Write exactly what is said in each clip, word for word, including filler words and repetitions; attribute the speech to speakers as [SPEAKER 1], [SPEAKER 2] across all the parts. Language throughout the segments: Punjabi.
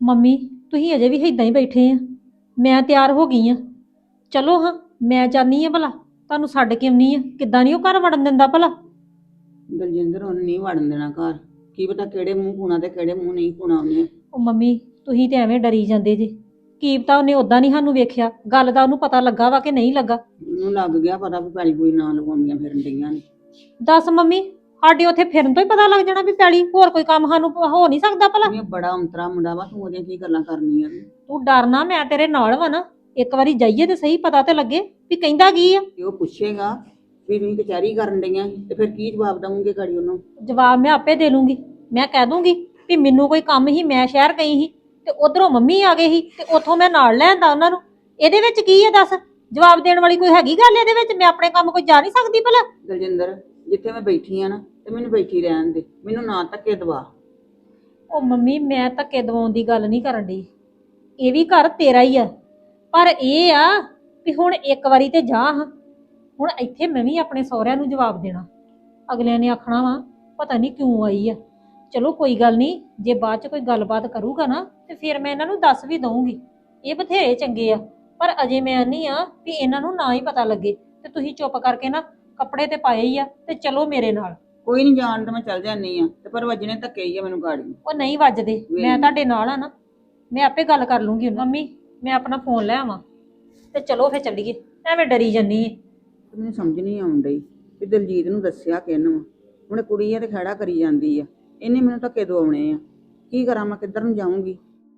[SPEAKER 1] ਮੰਮੀ ਤੁਸੀਂ ਅਜੇ ਵੀ ਇਦਾਂ ਹੀ ਬੈਠੇ ਆ। ਮੈਂ ਤਿਆਰ ਹੋ ਗਈ ਆ। ਚਲੋ ਹਾਂ, ਮੈਂ ਚਾਹਨੀ ਆ ਭਲਾ ਤੁਹਾਨੂੰ ਛੱਡ ਕੇ ਆਉਣੀ ਆ। ਕਿੱਦਾਂ ਨਹੀਂ ਉਹ ਘਰ ਵੜਨ ਦਿੰਦਾ ਭਲਾ।
[SPEAKER 2] ਦਲਜਿੰਦਰ ਉਹਨੇ ਨਹੀਂ ਵੜਨ ਦੇਣਾ ਘਰ। ਕੀ ਪਤਾ ਕਿਹੜੇ ਮੂੰਹ ਪੂਣਾ ਤੇ ਕਿਹੜੇ ਮੂੰਹ ਨਹੀਂ ਪੂਣਾ ਉਹਨੇ।
[SPEAKER 1] ਉਹ ਮੰਮੀ ਤੁਸੀਂ ਤੇ ਐਵੇਂ ਡਰੀ ਜਾਂਦੇ ਜੇ। ਕੀ ਪਤਾ ਉਹਨੇ ਉਦਾਂ ਨਹੀਂ ਸਾਨੂੰ ਵੇਖਿਆ, ਗੱਲ ਦਾ ਉਹਨੂੰ ਪਤਾ ਲੱਗਾ ਵਾ ਕਿ ਨਹੀਂ ਲੱਗਾ।
[SPEAKER 2] ਉਹਨੂੰ ਲੱਗ ਗਿਆ ਪਤਾ ਵੀ ਪੈਲੀ ਕੋਈ ਨਾ ਲਗਾਉਂਦੀਆਂ ਫਿਰਨ ਡਈਆਂ ਨੇ।
[SPEAKER 1] ਦੱਸ ਮੰਮੀ, ਸਾਡੇ ਉੱਥੇ ਫਿਰਨ ਤੋਂ ਹੀ ਪਤਾ ਲੱਗ ਜਾਣਾ ਵੀ ਪੈਲੀ, ਹੋਰ ਕੋਈ ਕੰਮ ਸਾਨੂੰ ਹੋ ਨਹੀਂ ਸਕਦਾ ਭਲਾ।
[SPEAKER 2] ਇਹ ਬੜਾ ਅੰਤਰਾ ਮੁੰਡਾ ਵਾ, ਤੂੰ ਉਹਦੀਆਂ ਕੀ ਗੱਲਾਂ ਕਰਨੀਆਂ ਨੇ।
[SPEAKER 1] ਤੂੰ ਡਰਨਾ, ਮੈਂ ਤੇਰੇ ਨਾਲ ਵਾ ਨਾ। ਇੱਕ ਵਾਰੀ ਜਾਈਏ ਤੇ ਸਹੀ, ਪਤਾ ਤੇ ਲੱਗੇ ਵੀ ਕਹਿੰਦਾ ਕੀ ਆ।
[SPEAKER 2] ਤੇ ਉਹ ਪੁੱਛੇਗਾ ਵੀ ਤੁਸੀਂ ਕਚਹਿਰੀ ਕਰਨ ਡਈਆਂ ਤੇ ਫਿਰ ਕੀ ਜਵਾਬ ਦਵਾਂਗੇ ਗਾੜੀ ਉਹਨੂੰ।
[SPEAKER 1] ਜਵਾਬ ਮੈਂ ਆਪੇ ਦੇ ਲੂੰਗੀ। ਮੈਂ ਕਹਿ ਦੂੰਗੀ ਵੀ ਮੈਨੂੰ ਕੋਈ ਕੰਮ ਹੀ, ਮੈਂ ਸ਼ਹਿਰ ਗਈ ਸੀ ਤੇ ਉਧਰੋਂ ਮੰਮੀ ਆ ਗਏ ਸੀ ਤੇ ਉੱਥੋਂ ਮੈਂ ਨਾਲ ਲੈ ਆਂਦਾ ਉਹਨਾਂ ਨੂੰ। ਇਹਦੇ ਵਿੱਚ ਕੀ ਹੈ ਦੱਸ? ਜਵਾਬ ਦੇਣ ਵਾਲੀ ਕੋਈ ਹੈਗੀ ਗੱਲ ਇਹਦੇ ਵਿੱਚ? ਮੈਂ ਆਪਣੇ ਕੰਮ ਕੋਈ ਜਾ ਨਹੀਂ ਸਕਦੀ ਭਲਾ?
[SPEAKER 2] ਦਲਜਿੰਦਰ, ਜਿੱਥੇ ਮੈਂ ਬੈਠੀ ਆ ਨਾ ਤੇ ਮੈਨੂੰ ਬੈਠੀ ਰਹਿਣ ਦੇ, ਮੈਨੂੰ ਨਾ ਧੱਕੇ ਦਵਾ।
[SPEAKER 1] ਉਹ ਮੰਮੀ ਮੈਂ ਧੱਕੇ ਦਵਾਉਣ ਦੀ ਗੱਲ ਨਹੀਂ ਕਰਨ ਡਈ। ਇਹ ਵੀ ਘਰ ਤੇਰਾ ਹੀ ਆ, ਪਰ ਇਹ ਆ ਵੀ ਹੁਣ ਇੱਕ ਵਾਰੀ ਤੇ ਜਾ ਹਾਂ। ਹੁਣ ਇੱਥੇ ਮੈਂ ਵੀ ਆਪਣੇ ਸਹੁਰਿਆਂ ਨੂੰ ਜਵਾਬ ਦੇਣਾ। ਅਗਲਿਆਂ ਨੇ ਆਖਣਾ ਵਾ ਪਤਾ ਨਹੀਂ ਕਿਉਂ ਆਈ ਆ। ਚਲੋ ਕੋਈ ਗੱਲ ਨਹੀਂ, ਜੇ ਬਾਅਦ ਚ ਕੋਈ ਗੱਲਬਾਤ ਕਰੂਗਾ ਨਾ ਤੇ ਫਿਰ ਮੈਂ ਇਹਨਾਂ ਨੂੰ ਦੱਸ ਵੀ ਦਊਂਗੀ। ਇਹ ਬਥੇਰੇ ਚੰਗੇ ਆ, ਪਰ ਅਜੇ ਮੈਂ ਨਹੀਂ ਆ ਵੀ ਇਹਨਾਂ ਨੂੰ ਨਾ ਹੀ ਪਤਾ ਲੱਗੇ। ਤੇ ਤੁਸੀਂ ਚੁੱਪ ਕਰਕੇ ਨਾ ਕੱਪੜੇ ਤੇ ਪਾਏ ਹੀ ਆ ਤੇ ਚਲੋ ਮੇਰੇ ਨਾਲ।
[SPEAKER 2] ਕੋਈ ਨਹੀਂ, ਜਾਣ ਤਾਂ ਮੈਂ ਚੱਲ ਜਾਂਦੀ ਆ ਤੇ ਪਰ ਵੱਜਣੇ ਧੱਕੇ ਹੀ ਆ ਮੈਨੂੰ ਗਾੜੀ।
[SPEAKER 1] ਉਹ ਨਹੀਂ ਵੱਜਦੇ, ਮੈਂ ਤੁਹਾਡੇ ਨਾਲ ਆ ਨਾ। ਮੈਂ ਆਪੇ ਗੱਲ ਕਰ ਲੂੰਗੀ। ਮੰਮੀ ਮੈਂ ਆਪਣਾ ਫੋਨ ਲੈ ਆਵਾਂ ਤੇ ਚਲੋ ਫਿਰ ਚੱਲੀਏ। ਐਵੇਂ ਡਰੀ ਜੰਨੀ ਏ।
[SPEAKER 2] ਮੈਨੂੰ ਸਮਝ ਨਹੀਂ ਆਉਣ ਡਈ ਵੀ ਦਲਜੀਤ ਨੂੰ ਦੱਸਿਆ ਕਿਹਨੂੰ। ਹੁਣ ਕੁੜੀ ਆ ਤੇ ਖੜਾ ਕਰੀ ਜਾਂਦੀ ਆ, ਇਹਨੇ ਮੈਨੂੰ ਧੱਕੇ ਦਵਾਉਣੇ ਆ। ਕੀ ਕਰਾਂ ਮੈਂ, ਕਿੱਧਰ ਨੂੰ ਜਾਊਂਗੀ?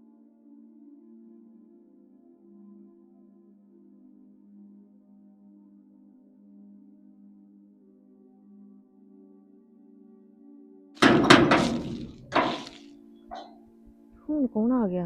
[SPEAKER 3] ਹੁਣ ਕੌਣ ਆ ਗਿਆ?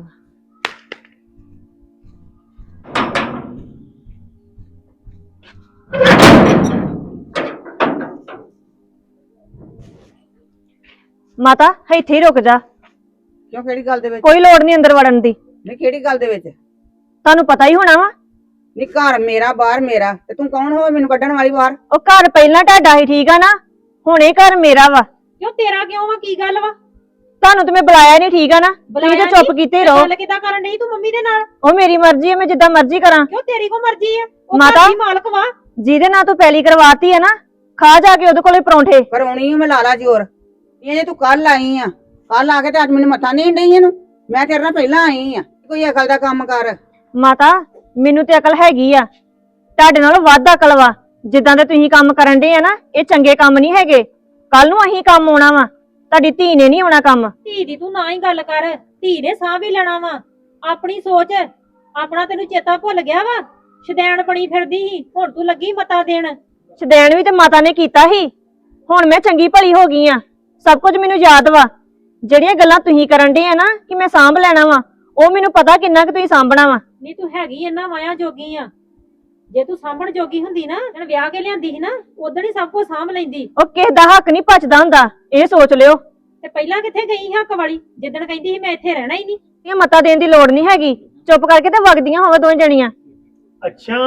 [SPEAKER 3] ਮਾਤਾ ਇੱਥੇ ਹੀ ਰੁਕ ਜਾ।
[SPEAKER 2] ਕਿਉਂ, ਕਿਹੜੀ ਗੱਲ ਦੇ ਵਿੱਚ?
[SPEAKER 3] ਕੋਈ ਲੋੜ ਨਹੀਂ ਅੰਦਰ ਵੜਨ ਦੀ।
[SPEAKER 2] ਨਹੀਂ, ਕਿਹੜੀ ਗੱਲ ਦੇ ਵਿੱਚ?
[SPEAKER 3] ਤੁਹਾਨੂੰ ਪਤਾ ਹੀ ਹੋਣਾ ਵਾ।
[SPEAKER 2] ਨਹੀਂ, ਘਰ ਮੇਰਾ ਬਾਹਰ ਮੇਰਾ, ਤੇ ਤੂੰ ਕੌਣ ਹੋ ਮੈਨੂੰ ਕੱਢਣ ਵਾਲੀ ਬਾਹਰ?
[SPEAKER 3] ਉਹ ਘਰ ਪਹਿਲਾਂ ਤੁਹਾਡਾ ਹੀ, ਠੀਕ ਆ ਨਾ? ਹੁਣ ਇਹ ਘਰ ਮੇਰਾ ਵਾ।
[SPEAKER 1] ਕਿਉਂ ਤੇਰਾ ਕਿਉਂ ਵਾ? ਕੀ ਗੱਲ ਵਾ?
[SPEAKER 3] ਤੁਹਾਨੂੰ ਤੇ ਮੈਂ ਬੁਲਾਇਆ ਨਹੀਂ, ਠੀਕ ਆ ਨਾ? ਤੁਸੀਂ ਤਾਂ ਚੁੱਪ ਕੀਤੇ ਰਹੋ।
[SPEAKER 1] ਗੱਲ ਕਿਦਾਂ ਕਰਨ ਡਈ ਤੂੰ ਮੰਮੀ ਦੇ ਨਾਲ?
[SPEAKER 3] ਉਹ ਮੇਰੀ ਮਰਜ਼ੀ ਹੈ, ਮੈਂ ਜਿੱਦਾਂ ਮਰਜ਼ੀ ਕਰਾਂ।
[SPEAKER 1] ਕਿਉਂ ਤੇਰੀ ਕੋ ਮਰਜ਼ੀ ਆ? ਉਹ
[SPEAKER 3] ਮਾਤਾ,
[SPEAKER 1] ਘਰ ਦੀ ਮਾਲਕ ਵਾ।
[SPEAKER 3] ਜਿਹਦੇ ਨਾਲ ਤੂੰ ਪਹਿਲੀ ਕਰਵਾਤੀ ਹੈ ਨਾ, ਖਾ ਜਾ ਕੇ ਉਹਦੇ ਕੋਲੇ ਪਰੌਂਠੇ।
[SPEAKER 2] ਪਰ ਆਉਣੀ ਮੈਂ ਲਾ ਲਾ ਜ਼ੋਰ। ਇਹ ਜੇ ਤੂੰ ਕੱਲ ਆਈ ਆ, ਕੱਲ ਆ ਕੇ ਤੇ ਅੱਜ ਮੈਨੂੰ ਮੱਥਾ ਨਹੀਂ ਡਈ ਇਹਨੂੰ। ਮੈਂ ਤੇਰੇ ਨਾਲ ਪਹਿਲਾਂ ਆਈ ਆ, ਕੋਈ ਅਕਲ ਦਾ ਕੰਮ ਕਰ।
[SPEAKER 3] ਮਾਤਾ ਮੈਨੂੰ ਤੇ ਅਕਲ ਹੈਗੀ ਆ, ਤੁਹਾਡੇ ਨਾਲ ਵੱਧ ਅਕਲ ਵਾ। ਜਿੱਦਾਂ ਦੇ ਤੁਸੀਂ ਕੰਮ ਕਰਨ ਦੇ ਆ ਨਾ, ਇਹ ਚੰਗੇ ਕੰਮ ਨਹੀਂ ਹੈਗੇ। ਕੱਲ ਨੂੰ ਅਸੀਂ ਕੰਮ ਆਉਣਾ ਵਾ, ਤੁਹਾਡੀ ਧੀ ਨੇ ਨਹੀਂ ਆਉਣਾ ਕੰਮ।
[SPEAKER 1] ਧੀ ਦੀ ਤੂੰ ਨਾ ਹੀ ਗੱਲ ਕਰ। ਧੀ ਨੇ ਸਾਹ ਵੀ ਲੈਣਾ ਵਾ। ਆਪਣੀ ਸੋਚ, ਆਪਣਾ ਤੈਨੂੰ ਚੇਤਾ ਭੁੱਲ ਗਿਆ ਵਾ। ਸ਼ਦੈਣ ਬਣੀ ਫਿਰਦੀ ਸੀ, ਹੁਣ ਤੂੰ ਲੱਗੀ ਮਤਾ ਦੇਣ।
[SPEAKER 3] ਸ਼ਦੈਣ ਵੀ ਤੇ ਮਾਤਾ ਨੇ ਕੀਤਾ ਸੀ, ਹੁਣ ਮੈਂ ਚੰਗੀ ਭਲੀ ਹੋ ਗਈ ਆ। ਸਭ ਕੁਝ ਮੈਨੂੰ ਯਾਦ ਵਾ। ਜਿਹੜੀਆਂ ਗੱਲਾਂ ਤੁਸੀਂ ਕਰਨ ਦੇ ਆ ਨਾ ਕਿ ਮੈਂ ਸਾਂਭ ਲੈਣਾ ਵਾ, ਉਹ ਮੈਨੂੰ ਪਤਾ ਕਿੰਨਾ ਕਿ ਤੁਸੀਂ ਸਾਂਭਣਾ ਵਾ।
[SPEAKER 1] ਨਹੀਂ ਤੂੰ ਹੈਗੀ ਇਹਨਾਂ ਮਾਇਆ ਜੋਗੀ ਆ। ਜੇ ਤੂੰ ਸਾਂਭਣ ਜੋਗੀ ਹੁੰਦੀ ਨਾ, ਜਣ ਵਿਆਹ ਕੇ ਲਿਆਂਦੀ ਸੀ ਨਾ, ਉਦੋਂ ਹੀ ਸਭ ਕੁਝ ਸਾਂਭ ਲੈਂਦੀ।
[SPEAKER 3] ਉਹ ਕਿਸੇ ਦਾ ਹੱਕ ਨਹੀਂ ਪਚਦਾ ਹੁੰਦਾ, ਇਹ ਸੋਚ ਲਿਓ।
[SPEAKER 1] ਤੇ ਪਹਿਲਾਂ ਕਿੱਥੇ ਗਈ ਹੱਕ ਵਾਲੀ, ਜਿੱਦਣ ਕਹਿੰਦੀ ਸੀ ਮੈਂ ਇੱਥੇ ਰਹਿਣਾ ਹੀ ਨਹੀਂ।
[SPEAKER 3] ਇਹ ਮਤਾ ਦੇਣ ਦੀ ਲੋੜ ਨਹੀਂ ਹੈਗੀ, ਚੁੱਪ ਕਰਕੇ ਤੇ ਵਗਦੀਆਂ ਹੋਵੇ ਦੋਵੇਂ ਜਣੀਆਂ।
[SPEAKER 4] ਅੱਛਾ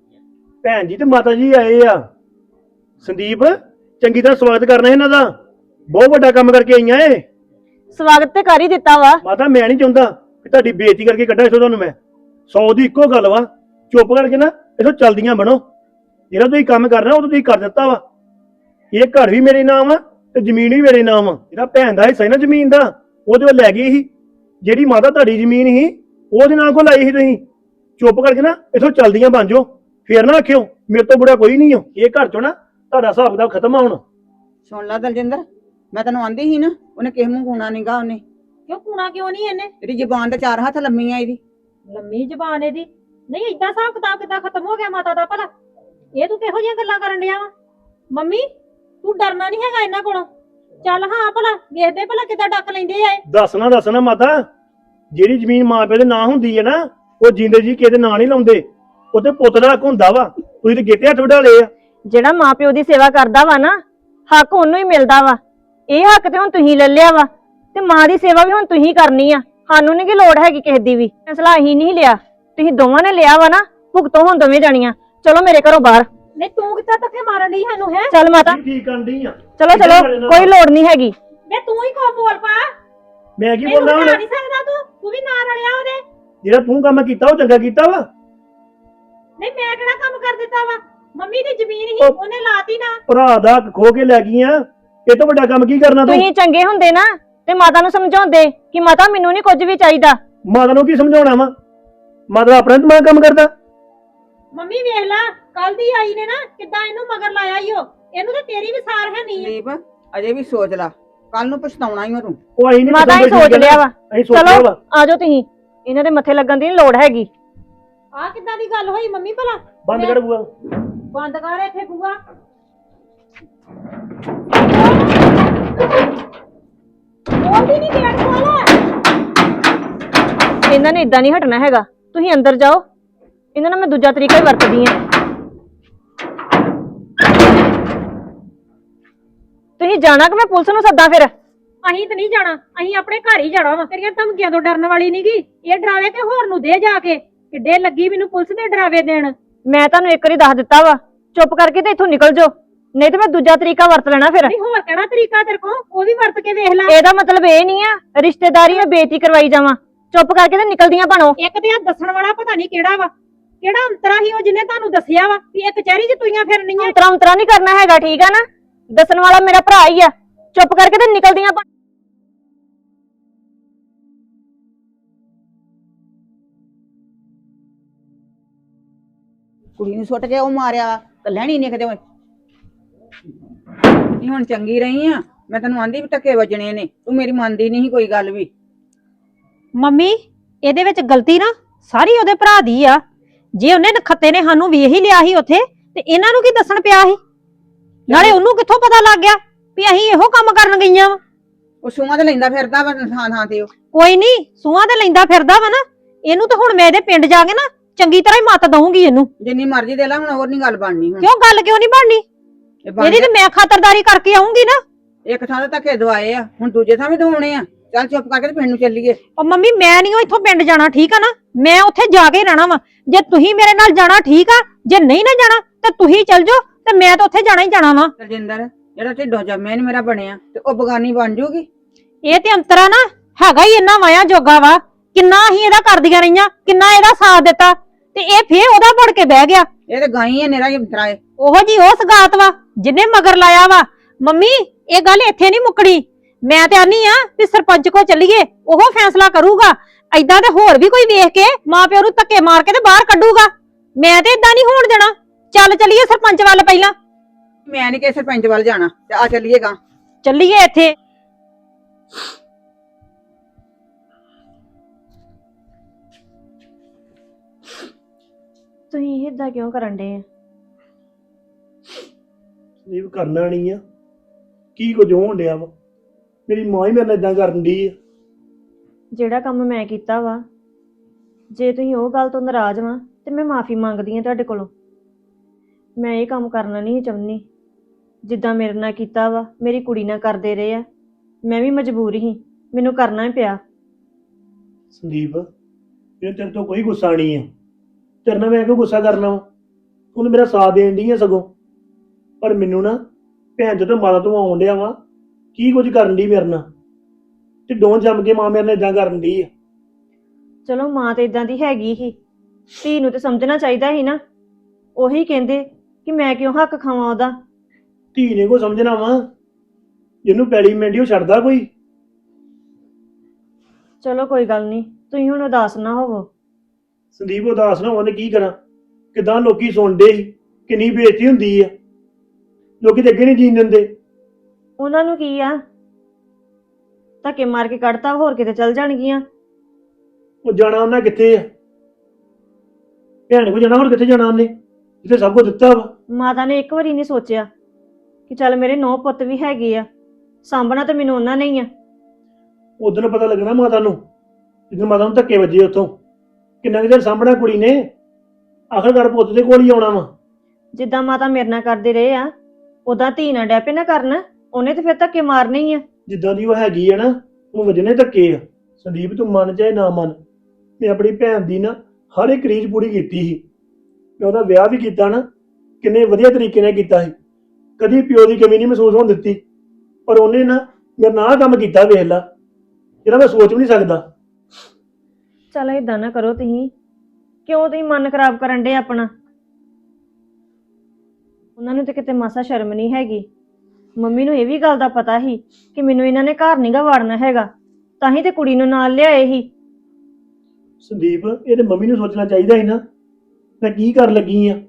[SPEAKER 4] ਭੈਣ ਜੀ ਤੇ ਮਾਤਾ ਜੀ ਆਏ ਆ। ਸੰਦੀਪ, ਚੰਗੀ ਤਰ੍ਹਾਂ ਸਵਾਗਤ ਕਰਨਾ ਇਹਨਾਂ ਦਾ। ਬਹੁਤ ਵੱਡਾ ਕੰਮ ਕਰਕੇ ਆਈਆਂ ਏ।
[SPEAKER 3] ਸਵਾਗਤ ਤੇ ਕਰ ਹੀ ਦਿੱਤਾ ਵਾ।
[SPEAKER 4] ਮਾਤਾ ਮੈਂ ਨਹੀਂ ਚਾਹੁੰਦਾ ਕਿ ਤੁਹਾਡੀ ਬੇਇੱਜ਼ਤੀ ਕਰਕੇ ਕੱਢਾਂ ਇਥੋਂ ਤੁਹਾਨੂੰ ਮੈਂ। ਸੌ ਦੀ ਇੱਕੋ ਗੱਲ ਵਾ, ਚੁੱਪ ਕਰਕੇ ਨਾ ਇਥੋਂ ਚਲਦੀਆਂ ਬਣੋ। ਜਿਹੜਾ ਤੁਸੀਂ ਕੰਮ ਕਰਨਾ ਉਹ ਤੁਸੀਂ ਕਰ ਦਿੱਤਾ ਵਾ। ਇਹ ਘਰ ਵੀ ਮੇਰੇ ਨਾਮ ਆ ਤੇ ਜ਼ਮੀਨ ਵੀ ਮੇਰੇ ਨਾਮ ਆ। ਜਿਹੜਾ ਭੈਣ ਦਾ ਹਿੱਸਾ ਸੀ ਨਾ ਜ਼ਮੀਨ ਦਾ, ਉਹਦੇ ਵੱਲ ਲੈ ਗਈ ਸੀ। ਜਿਹੜੀ ਮਾਤਾ ਤੁਹਾਡੀ ਜ਼ਮੀਨ ਸੀ ਉਹਦੇ ਨਾਂ ਕੋਲ ਲਾਈ ਸੀ ਤੁਸੀਂ। ਚੁੱਪ ਕਰਕੇ ਨਾ ਇਥੋਂ ਚਲਦੀਆਂ ਬਣ ਜਾਓ। ਫੇਰ ਨਾ ਆਖਿਓ ਮੇਰੇ ਤੋਂ ਬੁਰਾ ਕੋਈ ਨਹੀਂ ਹੋ। ਇਹ ਘਰ ਚੋਂ ਨਾ ਤੁਹਾਡਾ ਹਿਸਾਬ ਕਿਤਾਬ ਖਤਮ ਆ ਹੁਣ।
[SPEAKER 2] ਸੁਣ ਲੈ ਦਲਜਿੰਦਰ, ਮੈਂ ਤੈਨੂੰ ਆਂਦੀ ਸੀ ਨਾ, ਉਹਨੇ ਕਿਸੇ ਮੂੰਹ ਕੂਣਾ ਨਹੀਂਗਾ। ਉਹਨੇ
[SPEAKER 1] ਕਿਉਂ ਕੂਣਾ ਕਿਉਂ ਨਹੀਂ? ਇਹਨੇ
[SPEAKER 2] ਇਹਦੀ ਜ਼ਬਾਨ ਤੇ ਚਾਰ ਹੱਥ ਲੰਮੀ ਆ ਇਹਦੀ।
[SPEAKER 1] ਲੰਮੀ ਜ਼ਬਾਨ ਇਹਦੀ। ਨਹੀਂ ਏਦਾਂ ਹਿਸਾਬ ਕਿਤਾਬ ਕਿੱਦਾਂ ਖਤਮ ਹੋ ਗਿਆ ਮਾਤਾ ਦਾ ਭਲਾ? ਇਹ ਤੂੰ ਕਿਹੋ ਜਿਹੀਆਂ ਗੱਲਾਂ ਕਰਨ ਡਿਆ ਵਾ? ਮੰਮੀ ਤੂੰ ਡਰਨਾ ਨਹੀਂ ਹੈਗਾ ਇਹਨਾਂ ਕੋਲੋਂ। ਚੱਲ ਹਾਂ ਭਲਾ ਵੇਖਦੇ ਭਲਾ ਕਿੱਦਾਂ ਡੱਕ ਲੈਂਦੇ ਆ ਇਹ।
[SPEAKER 4] ਦੱਸਣਾ ਦੱਸਣਾ ਮਾਤਾ, ਜਿਹੜੀ ਜ਼ਮੀਨ ਮਾਂ ਪਿਓ ਦੇ ਨਾਂ ਹੁੰਦੀ ਹੈ ਨਾ, ਉਹ ਜਿੰਦੇ ਜੀ ਕਿਸੇ ਦੇ ਨਾਂ ਨਹੀਂ ਲਾਉਂਦੇ। ਉਹ ਤੇ ਪੁੱਤ ਦਾ ਹੱਕ ਹੁੰਦਾ ਵਾ। ਤੁਸੀਂ ਤੇ ਗੇਟੇ ਹੱਥ ਵਢਾ ਲਏ ਆ।
[SPEAKER 3] ਜਿਹੜਾ ਮਾਂ ਪਿਓ ਦੀ ਸੇਵਾ ਕਰਦਾ ਵਾ ਨਾ, ਹੱਕ ਉਹਨੂੰ ਹੀ ਮਿਲਦਾ ਵਾ। ਇਹ ਹੱਕ ਤੇ ਹੁਣ ਤੁਸੀਂ ਲੈ ਲਿਆ ਵਾ, ਤੇ ਮਾਂ ਦੀ ਸੇਵਾ ਵੀ ਹੁਣ ਤੁਸੀਂ ਕਰਨੀ ਆ। ਸਾਨੂੰ ਨਹੀਂ ਕਿ ਲੋੜ ਹੈਗੀ ਕਿਸੇ ਦੀ ਵੀ। ਫੈਸਲਾ ਅਸੀਂ ਨਹੀਂ ਲਿਆ, ਤੁਸੀਂ ਦੋਵਾਂ ਨੇ ਲਿਆ ਵਾ ਨਾ। ਭੁਗਤੋ ਹੁਣ ਦੋਵੇਂ ਜਾਣੀਆਂ। ਚਲੋ ਮੇਰੇ ਘਰੋਂ ਬਾਹਰ।
[SPEAKER 1] ਨਹੀਂ ਤੂੰ ਕਿੱਦਾਂ ਧੱਕੇ ਮਾਰਨ ਡਈ ਸਾਨੂੰ ਹੈ?
[SPEAKER 3] ਚੱਲ ਮਾਤਾ,
[SPEAKER 4] ਠੀਕ ਕਰਦੀ ਆ।
[SPEAKER 3] ਚਲੋ ਚਲੋ, ਕੋਈ ਲੋੜ ਨਹੀਂ ਹੈਗੀ।
[SPEAKER 1] ਮੈਂ ਤੂੰ ਹੀ ਕੋ ਬੋਲ ਪਾ।
[SPEAKER 4] ਮੈਂ ਕੀ
[SPEAKER 1] ਮੈਨੂੰ
[SPEAKER 4] ਬੋਲਦਾ
[SPEAKER 1] ਬਤਾ
[SPEAKER 4] ਹੁਣ?
[SPEAKER 1] ਨਹੀਂ ਸਕਦਾ ਤੂੰ। ਤੂੰ ਵੀ ਨਾਲ ਰਲਿਆ ਉਹਦੇ।
[SPEAKER 4] ਜਿਹੜਾ ਤੂੰ ਕੰਮ ਕੀਤਾ ਉਹ ਚੰਗਾ ਕੀਤਾ ਵਾ।
[SPEAKER 1] ਨਹੀਂ ਮੈਂ ਕਿਹੜਾ ਕੰਮ ਕਰ ਦਿੱਤਾ ਵਾ? ਮੰਮੀ ਦੀ ਜ਼ਮੀਨ ਹੀ
[SPEAKER 4] ਉਹ-
[SPEAKER 1] ਉਹਨੇ ਲਾਤੀ ਨਾ।
[SPEAKER 4] ਭਰਾ ਦਾ ਹੱਕ ਖੋ ਕੇ ਲੈ ਗਈਆਂ, ਇਹ ਤੋਂ ਵੱਡਾ ਕੰਮ ਕੀ ਕਰਨਾ ਤੂੰ?
[SPEAKER 3] ਤੁਸੀਂ ਚੰਗੇ ਹੁੰਦੇ ਨਾ ਤੇ ਮਾਤਾ ਨੂੰ ਸਮਝਾਉਂਦੇ ਕਿ ਮਾਤਾ ਮੈਨੂੰ ਨਹੀਂ ਕੁਝ ਵੀ ਚਾਹੀਦਾ।
[SPEAKER 4] ਮਾਤਾ ਨੂੰ ਕੀ ਸਮਝਾਉਣਾ ਵਾ? ਮਾਤਾ ਆਪਣਾ ਦਿਮਾਗ ਕੰਮ ਕਰਦਾ।
[SPEAKER 1] ਮੰਮੀ ਵੇਖ ਲੈ, ਕੱਲ ਦੀ ਆਈ ਨੇ ਨਾ ਕਿੱਦਾਂ ਇਹਨੂੰ ਮਗਰ ਲਾਇਆ ਈ ਓ। ਇਹਨੂੰ ਤਾਂ ਤੇਰੀ ਵੀ ਸਾਰ ਹੈ ਨਹੀਂ।
[SPEAKER 2] ਸੰਦੀਪ ਅਜੇ ਵੀ ਸੋਚ ਲਾ, ਕੱਲ ਨੂੰ ਪਛਤਾਉਣਾ ਹੀ ਓ ਤੂੰ।
[SPEAKER 4] ਉਹ ਅਸੀਂ ਨਹੀਂ
[SPEAKER 3] ਮਾਤਾ ਹੀ ਸੋਚ ਲਿਆ ਵਾ।
[SPEAKER 4] ਅਸੀਂ ਸੋਚ ਲਿਆ
[SPEAKER 3] ਚਲੋ
[SPEAKER 4] ਵਾ।
[SPEAKER 3] ਆਜੋ ਤੁਸੀਂ, ਇਹਨਾਂ ਦੇ ਮੱਥੇ ਲੱਗਣ ਦੀ ਨੀ ਲੋੜ ਹੈਗੀ।
[SPEAKER 1] ਆਹ ਕਿੱਦਾਂ ਦੀ ਗੱਲ ਹੋਈ ਮੰਮੀ ਭਲਾ?
[SPEAKER 4] ਬੰਦ ਕਰ ਬੂਆ।
[SPEAKER 1] ਬੰਦ ਕਰ ਇੱਥੇ ਬੂਆ। ਬੋਲਦੀ ਨਹੀਂ, ਗੇਟ ਖੋਲ।
[SPEAKER 3] ਇਹਨਾਂ ਨੇ ਇਦਾਂ ਨਹੀਂ ਹਟਣਾ ਹੈਗਾ। ਤੁਸੀਂ ਅੰਦਰ ਜਾਓ, ਇਹਨਾਂ ਨਾਲ ਮੈਂ ਦੂਜਾ ਤਰੀਕਾ ਹੀ ਵਰਤਦੀ ਆ। ਤੁਸੀਂ ਜਾਣਾ ਕਿ ਮੈਂ ਪੁਲਿਸ ਨੂੰ ਸੱਦਾਂ ਫਿਰ?
[SPEAKER 1] ਅਸੀਂ ਤਾਂ ਨਹੀਂ ਜਾਣਾ, ਅਸੀਂ ਆਪਣੇ ਘਰ ਹੀ ਜਾਣਾ ਵਾ। ਤੇਰੀਆਂ ਧਮਕੀਆਂ ਤੋਂ ਡਰਨ ਵਾਲੀ ਨਹੀਂਗੀ। ਇਹ ਡਰਾਵੇ ਤੇ ਹੋਰ ਨੂੰ ਦੇ ਜਾ ਕੇ। ਕਿੱਡੇ ਲੱਗੀ ਮੈਨੂੰ ਪੁਲਿਸ ਦੇ ਡਰਾਵੇ ਦੇਣ।
[SPEAKER 3] ਮੈਂ ਤੁਹਾਨੂੰ ਇੱਕ ਵਾਰੀ ਦੱਸ ਦਿੱਤਾ ਵਾ, ਚੁੱਪ ਕਰਕੇ ਤੇ ਇੱਥੋਂ ਨਿਕਲ ਜਾਓ, ਨਹੀਂ ਤੇ ਮੈਂ ਦੂਜਾ ਤਰੀਕਾ ਵਰਤ ਲੈਣਾ ਫਿਰ।
[SPEAKER 1] ਨਹੀਂ ਹੋਰ ਕਿਹੜਾ ਤਰੀਕਾ ਤੇਰੇ ਕੋਲ? ਉਹ ਵੀ ਵਰਤ ਕੇ ਵੇਖ ਲੈ।
[SPEAKER 3] ਇਹਦਾ ਮਤਲਬ ਇਹ ਨਹੀਂ ਆ ਰਿਸ਼ਤੇਦਾਰੀ ਮੈਂ ਬੇਇੱਜ਼ਤੀ ਕਰਵਾਈ ਜਾਵਾਂ। ਚੁੱਪ ਕਰਕੇ ਤੇ ਨਿਕਲਦੀਆਂ ਬਣੋ।
[SPEAKER 1] ਇੱਕ ਤੇ ਆ ਦੱਸਣ ਵਾਲਾ ਪਤਾ ਨਹੀਂ ਕਿਹੜਾ ਵਾ, ਕਿਹੜਾ ਅੰਤਰਾ ਹੀ ਉਹ ਜਿਹਨੇ ਤੁਹਾਨੂੰ ਦੱਸਿਆ ਵਾ ਵੀ ਇਹ ਕਚਹਿਰੀ 'ਚ ਤੁਈਆਂ ਫਿਰਨੀਆਂ।
[SPEAKER 3] ਅੰਤਰਾ ਅੰਤਰਾ ਨਹੀਂ ਕਰਨਾ ਹੈਗਾ, ਠੀਕ ਆ ਨਾ? ਦੱਸਣ ਵਾਲਾ ਮੇਰਾ ਭਰਾ ਹੀ ਆ। ਚੁੱਪ ਕਰਕੇ ਤੇ ਨਿਕਲਦੀਆਂ ਬਣ।
[SPEAKER 2] ਕੁੜੀ ਨੂੰ ਸੁੱਟ ਕੇ ਉਹ ਮਾਰਿਆ ਤਾਂ ਲੈਣੀ ਨਹੀਂ ਕਿਤੇ। ਨਹੀਂ ਹੁਣ ਚੰਗੀ ਰਹੀ ਆ, ਮੈਂ ਤੈਨੂੰ ਆਂਦੀ ਵੀ ਟੱਕੇ ਵੱਜਣੇ ਨੇ, ਤੂੰ ਮੇਰੀ ਮੰਨਦੀ ਨਹੀਂ ਕੋਈ ਗੱਲ ਵੀ।
[SPEAKER 1] ਮੰਮੀ ਇਹਦੇ ਵਿੱਚ ਗਲਤੀ ਨਾ ਸਾਰੀ ਉਹਦੇ ਭਰਾ ਦੀ ਆ। ਜੇ ਉਹਨੇ ਨਖੱਤੇ ਨੇ ਸਾਨੂੰ ਵੇਖ ਹੀ ਲਿਆ ਸੀ ਉੱਥੇ, ਤੇ ਇਹਨਾਂ ਨੂੰ ਕੀ ਦੱਸਣ ਪਿਆ ਸੀ? ਨਾਲੇ ਉਹਨੂੰ ਕਿੱਥੋਂ ਪਤਾ ਲੱਗ ਗਿਆ ਵੀ ਅਸੀਂ ਇਹੋ ਕੰਮ ਕਰਨ ਗਈਆਂ ਵਾ?
[SPEAKER 2] ਉਹ ਸੂਆਂ ਤੇ ਲੈਂਦਾ ਫਿਰਦਾ ਵਾ ਥਾਂ ਥਾਂ ਤੇ। ਉਹ
[SPEAKER 1] ਕੋਈ ਨਹੀਂ, ਸੂਹਾਂ ਤੇ ਲੈਂਦਾ ਫਿਰਦਾ ਵਾ ਨਾ। ਇਹਨੂੰ ਤਾਂ ਹੁਣ ਮੈਂ ਇਹਦੇ ਪਿੰਡ ਜਾ ਕੇ ਨਾ ਚੰਗੀ ਤਰ੍ਹਾਂ ਹੀ ਮੱਤ ਦਊਂਗੀ ਇਹਨੂੰ।
[SPEAKER 2] ਜਿੰਨੀ ਮਰਜ਼ੀ ਦੇ ਲੈ, ਹੁਣ ਹੋਰ ਨਹੀਂ ਗੱਲ ਬਣਨੀ। ਹੁਣ
[SPEAKER 1] ਕਿਉਂ ਗੱਲ ਕਿਉਂ ਨਹੀਂ ਬਣਨੀ?
[SPEAKER 2] ਇਹ ਬਣ
[SPEAKER 1] ਇਹਦੀ ਤੇ ਮੈਂ ਖਾਤਰਦਾਰੀ ਕਰਕੇ ਆਉਂਗੀ ਨਾ।
[SPEAKER 2] ਇੱਕ ਥਾਂ ਤੇ ਧੱਕੇ ਦਵਾਏ ਆ, ਹੁਣ ਦੂਜੇ ਥਾਂ ਵੀ ਦਵਾਉਣੇ ਆ। ਚੱਲ ਚੁੱਪ ਕਰਕੇ ਤੇ ਪਿੰਡ ਨੂੰ ਚੱਲੀਏ।
[SPEAKER 1] ਉਹ ਮੰਮੀ ਮੈਂ ਨਹੀਂ ਇੱਥੋਂ ਪਿੰਡ ਜਾਣਾ, ਠੀਕ ਆ ਨਾ? ਮੈਂ ਉੱਥੇ ਜਾ ਕੇ ਰਹਿਣਾ ਵਾ। ਜੇ ਤੁਸੀਂ ਮੇਰੇ ਨਾਲ ਜਾਣਾ ਠੀਕ ਆ, ਜੇ ਨਹੀਂ ਨਾ ਜਾਣਾ ਤੇ ਤੁਸੀਂ ਚੱਲ ਜਾਓ, ਤੇ ਮੈਂ ਤਾਂ ਉੱਥੇ ਜਾਣਾ ਹੀ ਜਾਣਾ ਵਾ।
[SPEAKER 2] ਰਜਿੰਦਰ ਜਿਹੜਾ ਢਿੱਡੋਂ ਜੰਮਿਆ ਨੀ ਮੇਰਾ ਬਣਿਆ, ਤੇ ਉਹ ਬਗਾਨੀ ਬਣ ਜੂਗੀ।
[SPEAKER 1] ਇਹ ਤੇ ਅੰਤਰਾ ਨਾ ਹੈਗਾ ਹੀ ਇੰਨਾ ਵਾਇਆ ਜੋਗਾ ਵਾ। ਕਿੰਨਾ ਹੀ ਇਹਦਾ ਕਰਦੀਆਂ ਰਹੀਆਂ, ਕਿੰਨਾ ਇਹਦਾ ਸਾਥ ਦਿੱਤਾ, ਤੇ ਇਹ ਫੇਰ ਉਹਦਾ ਬਣ ਕੇ ਬਹਿ ਗਿਆ।
[SPEAKER 2] ਇਹ ਤੇ ਗਾਈ ਹੈ ਨੇਰਾ ਹੀ ਤਰਾਏ।
[SPEAKER 1] ਉਹੋ ਜੀ ਉਹ ਸਗਾਤ ਵਾ ਜਿਹਨੇ ਮਗਰ ਲਾਇਆ ਵਾ। ਮੰਮੀ ਇਹ ਗੱਲ ਇੱਥੇ ਨਹੀਂ ਮੁੱਕਣੀ। ਮੈਂ ਤੇ ਆਨੀ ਆ ਵੀ ਸਰਪੰਚ ਕੋ ਚੱਲੀਏ, ਉਹ ਫੈਸਲਾ ਕਰੂਗਾ। ਐਦਾਂ ਤੇ ਹੋਰ ਵੀ ਕੋਈ ਵੇਖ ਕੇ ਮਾਂ ਪਿਓ ਨੂੰ ਧੱਕੇ ਮਾਰ ਕੇ ਤੇ ਬਾਹਰ ਕੱਢੂਗਾ। ਮੈਂ ਤੇ ਏਦਾਂ ਨਹੀਂ ਹੋਣ ਦੇਣਾ। ਚੱਲ ਚੱਲੀਏ ਸਰਪੰਚ ਵੱਲ ਪਹਿਲਾਂ।
[SPEAKER 2] ਮੈਂ ਨੀ ਕਿਸੇ ਸਰਪੰਚ ਵੱਲ ਜਾਣਾ, ਤੇ ਆ ਚੱਲੀਏਗਾ।
[SPEAKER 1] ਚੱਲੀਏ ਇੱਥੇ।
[SPEAKER 3] ਤੁਸੀਂ ਇਦਾਂ ਕਿਉਂ ਕਰਨ ਡੇ ਆ?
[SPEAKER 4] ਇਹ ਵੀ ਕਰਨਾ ਨਹੀਂ ਆ, ਕੀ ਕੁਝ ਹੋਣ ਡਿਆ ਵਾ? ਮੇਰੀ ਮਾਂ ਹੀ ਮੇਰੇ ਨਾਲ ਇਦਾਂ ਕਰਨ ਦੀ ਆ।
[SPEAKER 3] ਜਿਹੜਾ ਕੰਮ ਮੈਂ ਕੀਤਾ ਵਾ, ਜੇ ਤੁਸੀਂ ਉਹ ਗੱਲ ਤੋਂ ਨਾਰਾਜ਼ ਵਾਂ ਤੇ ਮੈਂ ਮਾਫੀ ਮੰਗਦੀ ਆ ਤੁਹਾਡੇ ਕੋਲੋਂ। ਮੈਂ ਇਹ ਕੰਮ ਕਰਨਾ ਨਹੀਂ ਚਾਹੁੰਦੀ। ਜਿੱਦਾਂ ਮੇਰੇ ਨਾਲ ਕੀਤਾ ਵਾ, ਮੇਰੀ ਕੁੜੀ ਨਾਲ ਕਰਦੇ ਰਹੇ ਆ, ਮੈਂ ਵੀ ਮਜਬੂਰ ਹੀ, ਮੈਨੂੰ ਕਰਨਾ ਹੀ ਪਿਆ।
[SPEAKER 4] ਸੰਦੀਪ ਇਹ ਤੇਰੇ ਤੋਂ ਕੋਈ ਗੁੱਸਾ ਨਹੀਂ ਆ। ਤੇਰੇ ਨਾਲ ਮੈਂ ਕਿਉਂ ਗੁੱਸਾ ਕਰਨਾ ਵਾ? ਤੂੰ ਮੇਰਾ ਸਾਥ ਦੇਣ ਦੀ ਆ ਸਗੋਂ। ਪਰ ਮੈਨੂੰ ਨਾ ਭੈਣ ਜਦੋਂ ਮਾਤਾ ਤੋਂ ਆਉਣ ਡਿਆ ਵਾ, ਕੀ ਕੁਝ ਕਰਨ ਦੀ ਮੇਰੇ ਨਾਲ, ਤੇ ਡੋਂ ਜੰਮ ਕੇ ਮਾਂ ਮੇਰੇ ਨਾਲ ਇਦਾਂ ਕਰਨ ਦੀ ਆ।
[SPEAKER 3] ਚਲੋ ਮਾਂ ਤੇ ਇਦਾਂ ਦੀ ਹੈਗੀ ਹੀ, ਧੀ ਨੂੰ ਤੇ ਸਮਝਣਾ ਚਾਹੀਦਾ ਸੀ ਨਾ। ਉਹੀ ਕਹਿੰਦੇ ਕਿ ਮੈਂ ਕਿਉਂ ਹੱਕ ਖਾਵਾਂ ਉਹਦਾ।
[SPEAKER 4] ਧੀ ਨੇ ਕੋ ਸਮਝਣਾ ਵਾ, ਜਿਹਨੂੰ ਪੈਲੀ ਮਿੰਡੀ ਉਹ ਛੱਡਦਾ ਕੋਈ?
[SPEAKER 3] ਚਲੋ ਕੋਈ ਗੱਲ ਨਹੀਂ, ਤੁਸੀਂ ਹੁਣ ਉਦਾਸ ਨਾ ਹੋਵੋ।
[SPEAKER 4] ਸੰਦੀਪ ਉਦਾਸ ਨਾ ਉਹਨੇ ਕੀ ਕਰਾਂ? ਕਿਦਾਂ ਲੋਕੀ ਸੁਣਦੇ ਸੀ, ਕਿੰਨੀ ਬੇਇੱਜ਼ਤੀ ਹੁੰਦੀ ਆ। ਲੋਕੀ ਤੇ ਅੱਗੇ ਨਹੀਂ ਜੀਣ ਦਿੰਦੇ।
[SPEAKER 3] ਉਹਨਾਂ ਨੂੰ ਕੀ ਆ, ਧੱਕੇ ਮਾਰ ਕੇ ਕੱਢਤਾ, ਹੋਰ ਕਿਤੇ ਚੱਲ ਜਾਣਗੀਆਂ।
[SPEAKER 4] ਉਹ ਜਾਣਾ ਉਹਨਾਂ ਕਿੱਥੇ ਆ? ਭੈਣ ਕੋ ਜਾਣਾ, ਹੋਰ ਕਿੱਥੇ ਜਾਣਾ ਉਹਨੇ, ਜਿੱਥੇ ਸਭ ਕੁਝ ਦਿੱਤਾ ਵਾ।
[SPEAKER 3] ਮਾਤਾ ਨੇ ਇੱਕ ਵਾਰੀ ਨਹੀਂ ਸੋਚਿਆ ਕਿ ਚੱਲ ਮੇਰੇ ਨੌ ਪੁੱਤ ਵੀ ਹੈਗੇ ਆ, ਸਾਂਭਣਾ ਤਾਂ ਮੈਨੂੰ ਉਹਨਾਂ ਨੇ ਹੀ ਆ।
[SPEAKER 4] ਉਦੋਂ ਪਤਾ ਲੱਗਣਾ ਮਾਤਾ ਨੂੰ, ਜਦੋਂ ਮਾਤਾ ਨੂੰ ਧੱਕੇ ਵੱਜੇ ਉੱਥੋਂ। ਕਿੰਨਾ ਕੁ ਚਿਰ ਸਾਂਭਣਾ ਕੁੜੀ ਨੇ? ਆਖਰਕਾਰ ਪੁੱਤ ਦੇ ਕੋਲ ਹੀ ਆਉਣਾ ਵਾ।
[SPEAKER 3] ਜਿੱਦਾਂ ਮਾਤਾ ਮੇਰੇ ਨਾਲ ਕਰਦੇ ਰਹੇ ਆ, ਉਦਾਂ ਧੀ ਨਾਲ ਡੈਪੇ ਨਾ ਕਰਨ, ਉਹਨੇ ਤੇ ਫਿਰ ਧੱਕੇ ਮਾਰਨੇ ਹੀ ਆ।
[SPEAKER 4] ਜਿੱਦਾਂ ਦੀ ਉਹ ਹੈਗੀ ਆ ਨਾ, ਉਹ ਵੱਜਣੇ ਧੱਕੇ ਆ। ਸੰਦੀਪ ਤੂੰ ਮੰਨ ਚਾਹੇ ਨਾ ਮੰਨ, ਮੈਂ ਆਪਣੀ ਭੈਣ ਦੀ ਨਾ ਹਰ ਇੱਕ ਰੀਝ ਪੂਰੀ ਕੀਤੀ ਸੀ। ਮੈਂ ਉਹਦਾ ਵਿਆਹ ਵੀ ਕੀਤਾ ਨਾ, ਕਿੰਨੇ ਵਧੀਆ ਤਰੀਕੇ ਨਾਲ ਕੀਤਾ ਸੀ। ਕਦੀ ਪਿਓ ਦੀ ਕਮੀ ਨਹੀਂ ਮਹਿਸੂਸ ਹੋਣ ਦਿੱਤੀ। ਪਰ ਉਹਨੇ ਨਾ ਮੇਰੇ ਨਾਲ ਆਹ ਕੰਮ ਕੀਤਾ, ਵੇਖ ਲਾ, ਜਿਹੜਾ ਮੈਂ ਸੋਚ ਵੀ ਨਹੀਂ ਸਕਦਾ।
[SPEAKER 3] ਚੱਲ ਏਦਾਂ ਨਾ ਕਰੋ ਤੁਸੀਂ। ਕਿਉਂ ਤੁਸੀਂ ਮਨ ਖਰਾਬ ਕਰਨ ਡੇ ਆਪਣਾ? ਉਹਨਾਂ ਨੂੰ ਤੇ ਕਿਤੇ ਮਾਸਾ ਸ਼ਰਮ ਨਹੀਂ ਹੈਗੀ। ਮੰਮੀ ਨੂੰ ਇਹ ਵੀ ਗੱਲ ਦਾ ਪਤਾ ਸੀ ਕਿ ਮੈਨੂੰ ਇਹਨਾਂ ਨੇ ਘਰ ਨੀ ਗਾ ਵਾੜਨਾ ਹੈਗਾ, ਤਾਂ ਹੀ ਤੇ ਕੁੜੀ ਨੂੰ ਨਾਲ ਲਿਆਏ ਸੀ।
[SPEAKER 4] ਸੰਦੀਪ, ਇਹ ਤੇ ਮੰਮੀ ਨੂੰ ਸੋਚਣਾ ਚਾਹੀਦਾ ਸੀ ਨਾ, ਮੈਂ ਕੀ ਕਰਨ ਲੱਗੀ ਆ।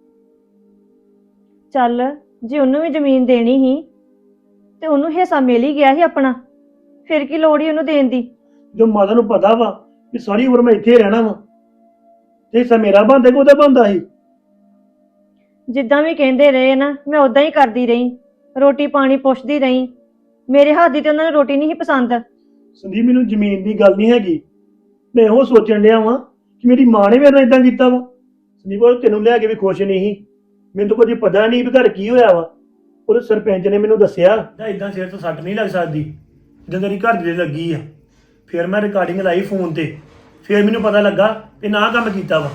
[SPEAKER 3] ਚੱਲ ਜੇ ਉਹਨੂੰ ਵੀ ਜ਼ਮੀਨ ਦੇਣੀ ਸੀ ਤੇ ਉਹਨੂੰ ਹਿੱਸਾ ਮਿਲ ਹੀ ਗਿਆ ਸੀ ਆਪਣਾ, ਫਿਰ ਕੀ ਲੋੜ ਹੀ ਉਹਨੂੰ ਦੇਣ ਦੀ।
[SPEAKER 4] ਜੋ ਮਾਤਾ ਨੂੰ ਪਤਾ ਵਾ ਕਿ ਸਾਰੀ ਉਮਰ ਮੈਂ ਇੱਥੇ ਰਹਿਣਾ ਵਾ, ਤੇ ਹਿੱਸਾ ਮੇਰਾ ਬਣਦਾ ਕਿ ਉਹਦਾ ਬਣਦਾ ਸੀ।
[SPEAKER 3] ਜਿੱਦਾਂ ਵੀ ਕਹਿੰਦੇ ਰਹੇ ਨਾ, ਮੈਂ ਉਦਾਂ ਹੀ ਕਰਦੀ ਰਹੀ, ਰੋਟੀ ਪਾਣੀ ਪੁੱਛਦੀ ਰਹੀ। ਮੇਰੇ ਹੱਥ ਦੀ ਤੇ ਉਹਨਾਂ ਨੂੰ ਰੋਟੀ ਨਹੀਂ ਸੀ ਪਸੰਦ।
[SPEAKER 4] ਸੰਦੀਪ, ਮੈਨੂੰ ਜ਼ਮੀਨ ਦੀ ਗੱਲ ਨਹੀਂ ਹੈਗੀ, ਮੈਂ ਇਹੋ ਸੋਚਣ ਡਿਆ ਵਾਂ ਕਿ ਮੇਰੀ ਮਾਂ ਨੇ ਮੇਰੇ ਨਾਲ ਇਦਾਂ ਕੀਤਾ ਵਾ। ਸੰਦੀਪ, ਉਹ ਤੈਨੂੰ ਲੈ ਕੇ ਵੀ ਖੁਸ਼ ਨਹੀਂ ਸੀ। ਮੈਨੂੰ ਤਾਂ ਕੁਝ ਪਤਾ ਨਹੀਂ ਵੀ ਘਰ ਕੀ ਹੋਇਆ ਵਾ। ਉਹਦੇ ਸਰਪੰਚ ਨੇ ਮੈਨੂੰ ਦੱਸਿਆ ਤਾਂ ਇਦਾਂ ਸਿਰ ਤੋਂ ਸੱਟ ਨਹੀਂ ਲੱਗ ਸਕਦੀ ਜਦੋਂ ਤੇਰੀ ਘਰ ਦੇ ਲੱਗੀ ਆ। ਫਿਰ ਮੈਂ ਰਿਕਾਰਡਿੰਗ ਲਾਈ ਫੋਨ ਤੇ, ਫਿਰ ਮੈਨੂੰ ਪਤਾ ਲੱਗਾ ਕਿ ਨਾ ਕੰਮ ਕੀਤਾ ਵਾ।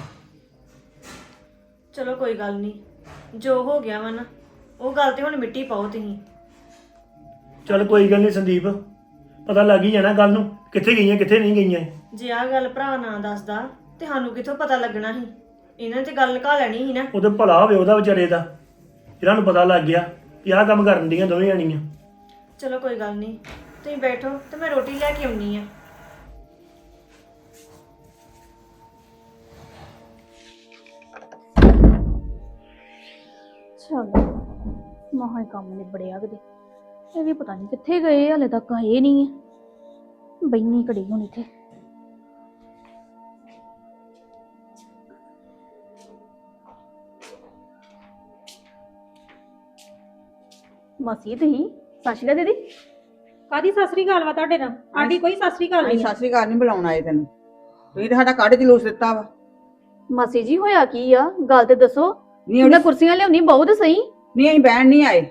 [SPEAKER 3] ਚਲੋ ਕੋਈ ਗੱਲ ਨਹੀਂ, ਜੋ ਹੋ ਗਿਆ ਵਾ ਨਾ ਉਹ ਗੱਲ ਤੇ ਹੁਣ ਮਿੱਟੀ ਪਾਓ ਤੁਸੀਂ।
[SPEAKER 4] ਚੱਲ ਕੋਈ ਗੱਲ ਨਹੀਂ ਸੰਦੀਪ, ਪਤਾ ਲੱਗ ਹੀ ਜਾਣਾ ਕੱਲ ਨੂੰ ਕਿੱਥੇ ਗਈਆਂ ਕਿੱਥੇ ਨਹੀਂ ਗਈਆਂ।
[SPEAKER 3] ਜੇ ਆਹ ਗੱਲ ਭਰਾ ਨਾ ਦੱਸਦਾ ਤੇ ਸਾਨੂੰ ਕਿੱਥੋਂ ਪਤਾ ਲੱਗਣਾ ਸੀ? ਇਹਨਾਂ ਨੇ ਤੇ ਗੱਲ ਲੁਕਾ ਲੈਣੀ ਸੀ ਨਾ।
[SPEAKER 4] ਉਹਦੇ ਭਲਾ ਹੋਵੇ ਉਹਦਾ ਵਿਚਾਰੇ ਦਾ, ਜਿਹਨਾਂ ਨੂੰ ਪਤਾ ਲੱਗ ਗਿਆ ਕਿ ਆਹ ਕੰਮ ਕਰਨ ਦੀਆਂ ਦੋਵੇਂ ਜਾਣੀਆਂ।
[SPEAKER 3] ਚਲੋ ਕੋਈ ਗੱਲ ਨਹੀਂ, ਤੁਸੀਂ ਬੈਠੋ ਤੇ ਮੈਂ ਰੋਟੀ ਲੈ ਕੇ ਆਉਣੀ ਆ।
[SPEAKER 5] ਚਲ ਮਹਾਂ ਕੰਮ ਨਿਬੜਿਆ ਕਿਤੇ। ਇਹ ਵੀ ਪਤਾ ਨਹੀਂ ਕਿੱਥੇ ਗਏ, ਹਲੇ ਤੱਕ ਆਏ ਨਹੀਂ ਆ। ਬੈਨੀ ਘੜੀ ਹੁਣ ਇੱਥੇ। ਮਾਸੀ ਤੁਸੀਂ ਸਤਿ ਸ਼੍ਰੀ ਅਕਾਲ ਦੀਦੀ।
[SPEAKER 1] ਕਾਦੀ ਸਤਿ ਸ੍ਰੀ ਅਕਾਲ ਵਾ ਤੁਹਾਡੇ ਨਾਲ? ਸਾਡੀ ਕੋਈ ਸਤਿ ਸ੍ਰੀ ਅਕਾਲ
[SPEAKER 2] ਅਸੀਂ
[SPEAKER 1] ਨਹੀਂ ਆ।
[SPEAKER 2] ਸਤਿ ਸ੍ਰੀ ਅਕਾਲ ਨਹੀਂ ਬੁਲਾਉਣ ਆਏ ਤੈਨੂੰ, ਤੁਸੀਂ ਤਾਂ ਸਾਡਾ ਕੱਢ ਜਲੂਸ ਦਿੱਤਾ ਵਾ।
[SPEAKER 5] ਮਾਸੀ ਜੀ ਹੋਇਆ ਕੀ ਆ? ਗੱਲ ਤੇ ਦੱਸੋ।
[SPEAKER 2] ਨਹੀਂ
[SPEAKER 5] ਉਹਨਾਂ
[SPEAKER 2] ਉਹਨੇ
[SPEAKER 5] ਕੁਰਸੀਆਂ ਲਿਆਉਣੀ ਬਹੁਤ ਸਹੀ।
[SPEAKER 2] ਨਹੀਂ ਅਸੀਂ ਬਹਿਣ ਨਹੀਂ ਆਏ।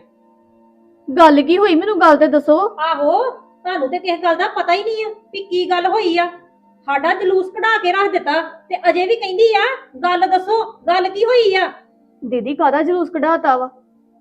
[SPEAKER 5] ਗੱਲ ਕੀ ਹੋਈ ਮੈਨੂੰ ਗੱਲ ਤੇ ਦੱਸੋ।
[SPEAKER 1] ਆਹੋ, ਤੁਹਾਨੂੰ ਤੇ ਕਿਸੇ ਗੱਲ ਦਾ ਪਤਾ ਹੀ ਨਹੀਂ ਆ ਵੀ ਕੀ ਗੱਲ ਹੋਈ ਆ। ਸਾਡਾ ਜਲੂਸ ਕਢਾ ਕੇ ਰੱਖ ਦਿੱਤਾ ਤੇ ਅਜੇ ਵੀ ਕਹਿੰਦੀ ਆ ਗੱਲ ਦੱਸੋ, ਗੱਲ ਕੀ ਹੋਈ ਆ?
[SPEAKER 5] ਦੀਦੀ ਕਾਹਦਾ ਜਲੂਸ ਕਢਾਤਾ ਵਾ?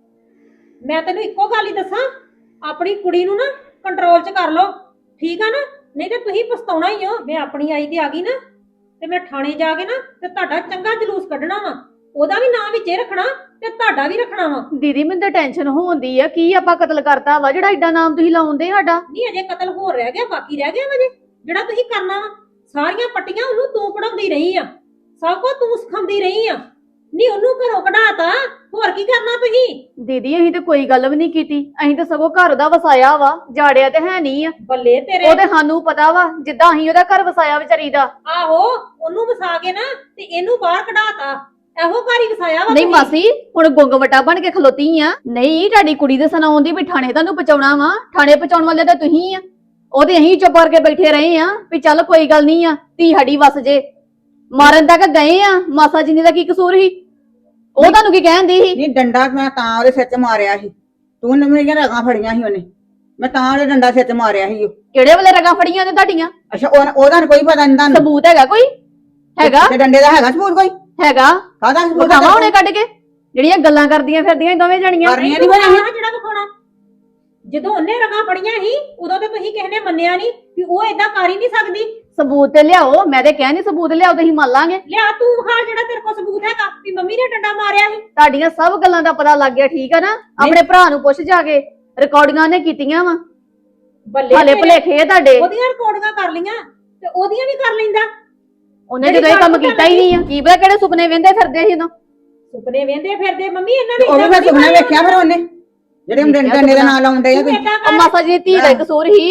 [SPEAKER 1] ਮੈਂ ਤੈਨੂੰ ਇੱਕੋ ਗੱਲ ਹੀ ਦੱਸਾਂ, ਆਪਣੀ ਕੁੜੀ ਨੂੰ ਨਾ ਕੰਟਰੋਲ 'ਚ ਕਰ ਲਓ, ਠੀਕ ਆ ਨਾ? ਨਹੀਂ ਤੇ ਤੁਸੀਂ ਪਛਤਾਉਣਾ ਹੀ ਹੋ। ਮੈਂ ਆਪਣੀ ਆਈ ਤੇ ਆ ਗਈ ਨਾ ਤੇ ਮੈਂ ਥਾਣੇ ਜਾ ਕੇ ਨਾ ਤੇ ਤੁਹਾਡਾ ਚੰਗਾ ਜਲੂਸ ਕੱਢਣਾ ਵਾ। ਉਹਦਾ ਵੀ ਨਾਂ ਵਿੱਚੇ ਰੱਖਣਾ ਤੇ ਤੁਹਾਡਾ ਵੀ ਰੱਖਣਾ ਵਾ।
[SPEAKER 5] ਦੀਦੀ ਮੈਨੂੰ ਤਾਂ ਟੈਨਸ਼ਨ ਹੋਉਂਦੀ ਆ, ਕੀ ਆਪਾਂ ਕਤਲ ਕਰਤਾ ਵਾ ਜਿਹੜਾ ਏਡਾ ਨਾਮ ਤੁਸੀਂ ਲਾਉਂਦੇ ਸਾਡਾ?
[SPEAKER 1] ਨਹੀਂ ਅਜੇ ਕਤਲ ਹੋਰ ਰਹਿ ਗਿਆ, ਬਾਕੀ ਰਹਿ ਗਿਆ ਵਜੇ ਜਿਹੜਾ ਤੁਸੀਂ ਕਰਨਾ ਵਾ। ਸਾਰੀਆਂ ਪੱਟੀਆਂ ਉਹਨੂੰ ਤੂੰ ਪੜਾਉਂਦੀ ਰਹੀ ਆ, ਸਭ ਕੁਝ ਤੂੰ ਸਿਖਾਉਂਦੀ ਰਹੀ ਆ। ਨਹੀਂ ਉਹਨੂੰ ਘਰੋਂ ਕਢਾਤਾ, ਹੋਰ ਕੀ ਕਰਨਾ ਤੁਸੀਂ?
[SPEAKER 5] ਦੀਦੀ ਅਸੀਂ ਤੇ ਕੋਈ ਗੱਲ ਵੀ ਨਹੀਂ ਕੀਤੀ, ਅਸੀਂ ਤਾਂ ਸਗੋਂ ਘਰ ਦਾ ਵਸਾਇਆ ਵਾ, ਜਾੜਿਆ ਤੇ ਹੈ ਨਹੀਂ ਆ।
[SPEAKER 1] ਬੱਲੇ ਤੇਰੇ।
[SPEAKER 5] ਉਹ ਤੇ ਸਾਨੂੰ ਪਤਾ ਵਾ ਜਿੱਦਾਂ ਅਸੀਂ ਉਹਦਾ ਘਰ ਵਸਾਇਆ ਵਿਚਾਰੀ ਦਾ।
[SPEAKER 1] ਆਹੋ, ਉਹਨੂੰ ਵਸਾ ਕੇ ਨਾ ਤੇ ਇਹਨੂੰ ਬਾਹਰ ਕਢਾਤਾ, ਇਹੋ ਘਰ ਹੀ ਵਸਾਇਆ ਵਾ
[SPEAKER 5] ਨਹੀਂ
[SPEAKER 1] ਤੁਸੀਂ।
[SPEAKER 5] ਮਾਸੀ ਹੁਣ ਗੁੰਗ ਵਟਾ ਬਣ ਕੇ ਖਲੋਤੀ ਆ। ਨਹੀਂ ਤੁਹਾਡੀ ਕੁੜੀ ਦੇ ਸੁਣਾਉਂਦੀ ਵੀ ਥਾਣੇ ਤੁਹਾਨੂੰ ਪਹੁੰਚਾਉਣਾ ਵਾ, ਥਾਣੇ ਪਹੁੰਚਾਉਣ ਵਾਲੇ ਤਾਂ ਤੁਸੀਂ ਆ। ਉਹਦੇ ਅਸੀਂ ਚੁੱਪ ਕਰਕੇ ਬੈਠੇ ਰਹੇ ਆ ਵੀ ਚੱਲ ਕੋਈ ਗੱਲ ਨਹੀਂ ਆ, ਧੀ ਸਾਡੀ ਵਸ ਜੇ। ਮਾਰਨ ਤੱਕ ਗਏ ਆ, ਮਾਸਾ ਜੀ ਦਾ ਕੀ ਕਸੂਰ ਸੀ? ਉਹ ਤੁਹਾਨੂੰ ਕੀ ਕਹਿੰਦੀ ਸੀ?
[SPEAKER 2] ਨਹੀਂ ਡੰਡਾ ਮੈਂ ਤਾਂ ਉਹਦੇ ਸਿਰ 'ਚ ਮਾਰਿਆ ਸੀ, ਤੂੰ ਨੇ ਮੇਰੀਆਂ ਰਗਾਂ ਫੜੀਆਂ ਸੀ ਉਹਨੇ, ਮੈਂ ਤਾਂ ਉਹਦੇ ਡੰਡਾ ਸਿਰ 'ਚ ਮਾਰਿਆ ਸੀ। ਉਹ
[SPEAKER 5] ਕਿਹੜੇ ਵੇਲੇ ਰਗਾਂ ਫੜੀਆਂ ਨੇ ਤੁਹਾਡੀਆਂ?
[SPEAKER 2] ਅੱਛਾ ਉਹ- ਉਹਦਾ ਨੀ ਕੋਈ ਪਤਾ ਨਹੀਂ ਤੁਹਾਨੂੰ?
[SPEAKER 5] ਸਬੂਤ ਹੈਗਾ ਕੋਈ? ਹੈਗਾ
[SPEAKER 2] ਤੇ ਡੰਡੇ ਦਾ ਹੈਗਾ ਸਬੂਤ ਕੋਈ?
[SPEAKER 5] ਹੈਗਾ
[SPEAKER 2] ਕਾਹਦਾ ਸਬੂਤ
[SPEAKER 5] ਵਿਖਾਵਾਂ ਹੁਣੇ ਕੱਢ ਕੇ? ਜਿਹੜੀਆਂ ਗੱਲਾਂ ਕਰਦੀਆਂ ਫਿਰਦੀਆਂ ਇਹ ਦੋਵੇਂ ਜਣੀਆਂ।
[SPEAKER 2] ਕਰਨੀਆਂ
[SPEAKER 1] ਨਹੀਂ
[SPEAKER 2] ਨੀ ਫਿਰ
[SPEAKER 1] ਵਿਖਾਉਣਾ ਜਿਹੜਾ ਵਿਖਾਉਣਾ। ਜਦੋਂ ਉਹਨੇ ਰਗਾਂ ਫੜੀਆਂ ਸੀ ਉਦੋਂ ਤੇ ਤੁਸੀਂ ਕਿਸੇ ਨੇ ਮੰਨਿਆ ਨਹੀਂ ਵੀ ਉਹ ਏਦਾਂ ਕਰ ਹੀ ਨਹੀਂ ਸਕਦੀ।
[SPEAKER 5] ਸਬੂਤ ਤੇ ਲਿਆਓ, ਮੈਂ ਤੇ ਕਹਿੰਦੀ ਸਬੂਤ ਲਿਆਓ ਤੇ ਅਸੀਂ ਮੰਨ ਲਾਂਗੇ।
[SPEAKER 1] ਲਿਆ ਤੂੰ ਵਿਖਾ ਜਿਹੜਾ ਤੇਰੇ ਕੋਲ ਸਬੂਤ ਹੈਗਾ ਵੀ ਮੰਮੀ ਨੇ ਡੰਡਾ ਮਾਰਿਆ ਸੀ।
[SPEAKER 5] ਤੁਹਾਡੀਆਂ ਸਭ ਗੱਲਾਂ ਦਾ ਪਤਾ ਲੱਗ ਗਿਆ, ਠੀਕ ਆ ਨਾ? ਆਪਣੇ ਭਰਾ ਨੂੰ ਪੁੱਛ ਜਾ ਕੇ, ਰਿਕਾਰਡਿੰਗਾਂ ਨੇ ਕੀਤੀਆਂ ਵਾ।
[SPEAKER 1] ਬੱਲੇ
[SPEAKER 5] ਹਾਲੇ
[SPEAKER 1] ਤੇਰੇ।
[SPEAKER 5] ਭੁਲੇਖੇ ਆ ਤੁਹਾਡੇ।
[SPEAKER 1] ਉਹਦੀਆਂ ਰਿਕਾਰਡਿੰਗਾਂ ਕਰ ਲੀਆਂ ਤੇ ਉਹਦੀਆਂ ਵੀ ਕਰ ਲੈਂਦਾ।
[SPEAKER 5] ਉਹਨੇ ਜਦੋਂ ਇਹ ਕੰਮ ਕੀਤਾ ਹੀ ਨਹੀਂ ਆ, ਕੀ ਪਤਾ ਕਿਹੜੇ ਸੁਪਨੇ ਵੇਂਦੇ ਫਿਰਦੇ ਸੀ ਉਦੋਂ।
[SPEAKER 1] ਸੁਪਨੇ ਵੇਂਦੇ ਫਿਰਦੇ ਮੰਮੀ ਇਹਨਾਂ
[SPEAKER 2] ਤੇ
[SPEAKER 1] ਨੇ
[SPEAKER 2] ਉਹ ਵੀ
[SPEAKER 1] ਏਦਾਂ
[SPEAKER 2] ਮੈਂ
[SPEAKER 1] ਥੋੜ੍ਹੀ
[SPEAKER 2] ਸੁਪਨਾ
[SPEAKER 1] ਮਾਰਿਆ।
[SPEAKER 2] ਵੇਖਿਆ ਫਿਰ ਉਹਨੇ ਜਿਹੜੇ ਡੰਡੇ ਡੰਡੇ ਦਾ ਨਾਂ ਲਾਉਂਦੇ ਆ
[SPEAKER 1] ਤੂੰ
[SPEAKER 2] ਤੁਸੀਂ।
[SPEAKER 1] ਏਦਾਂ
[SPEAKER 5] ਉਹ
[SPEAKER 1] ਕਰ।
[SPEAKER 5] ਮਾਸਾ ਜੀ ਦੀ ਧੀ ਦਾ ਹੀ ਕਸੂਰ ਹੀ।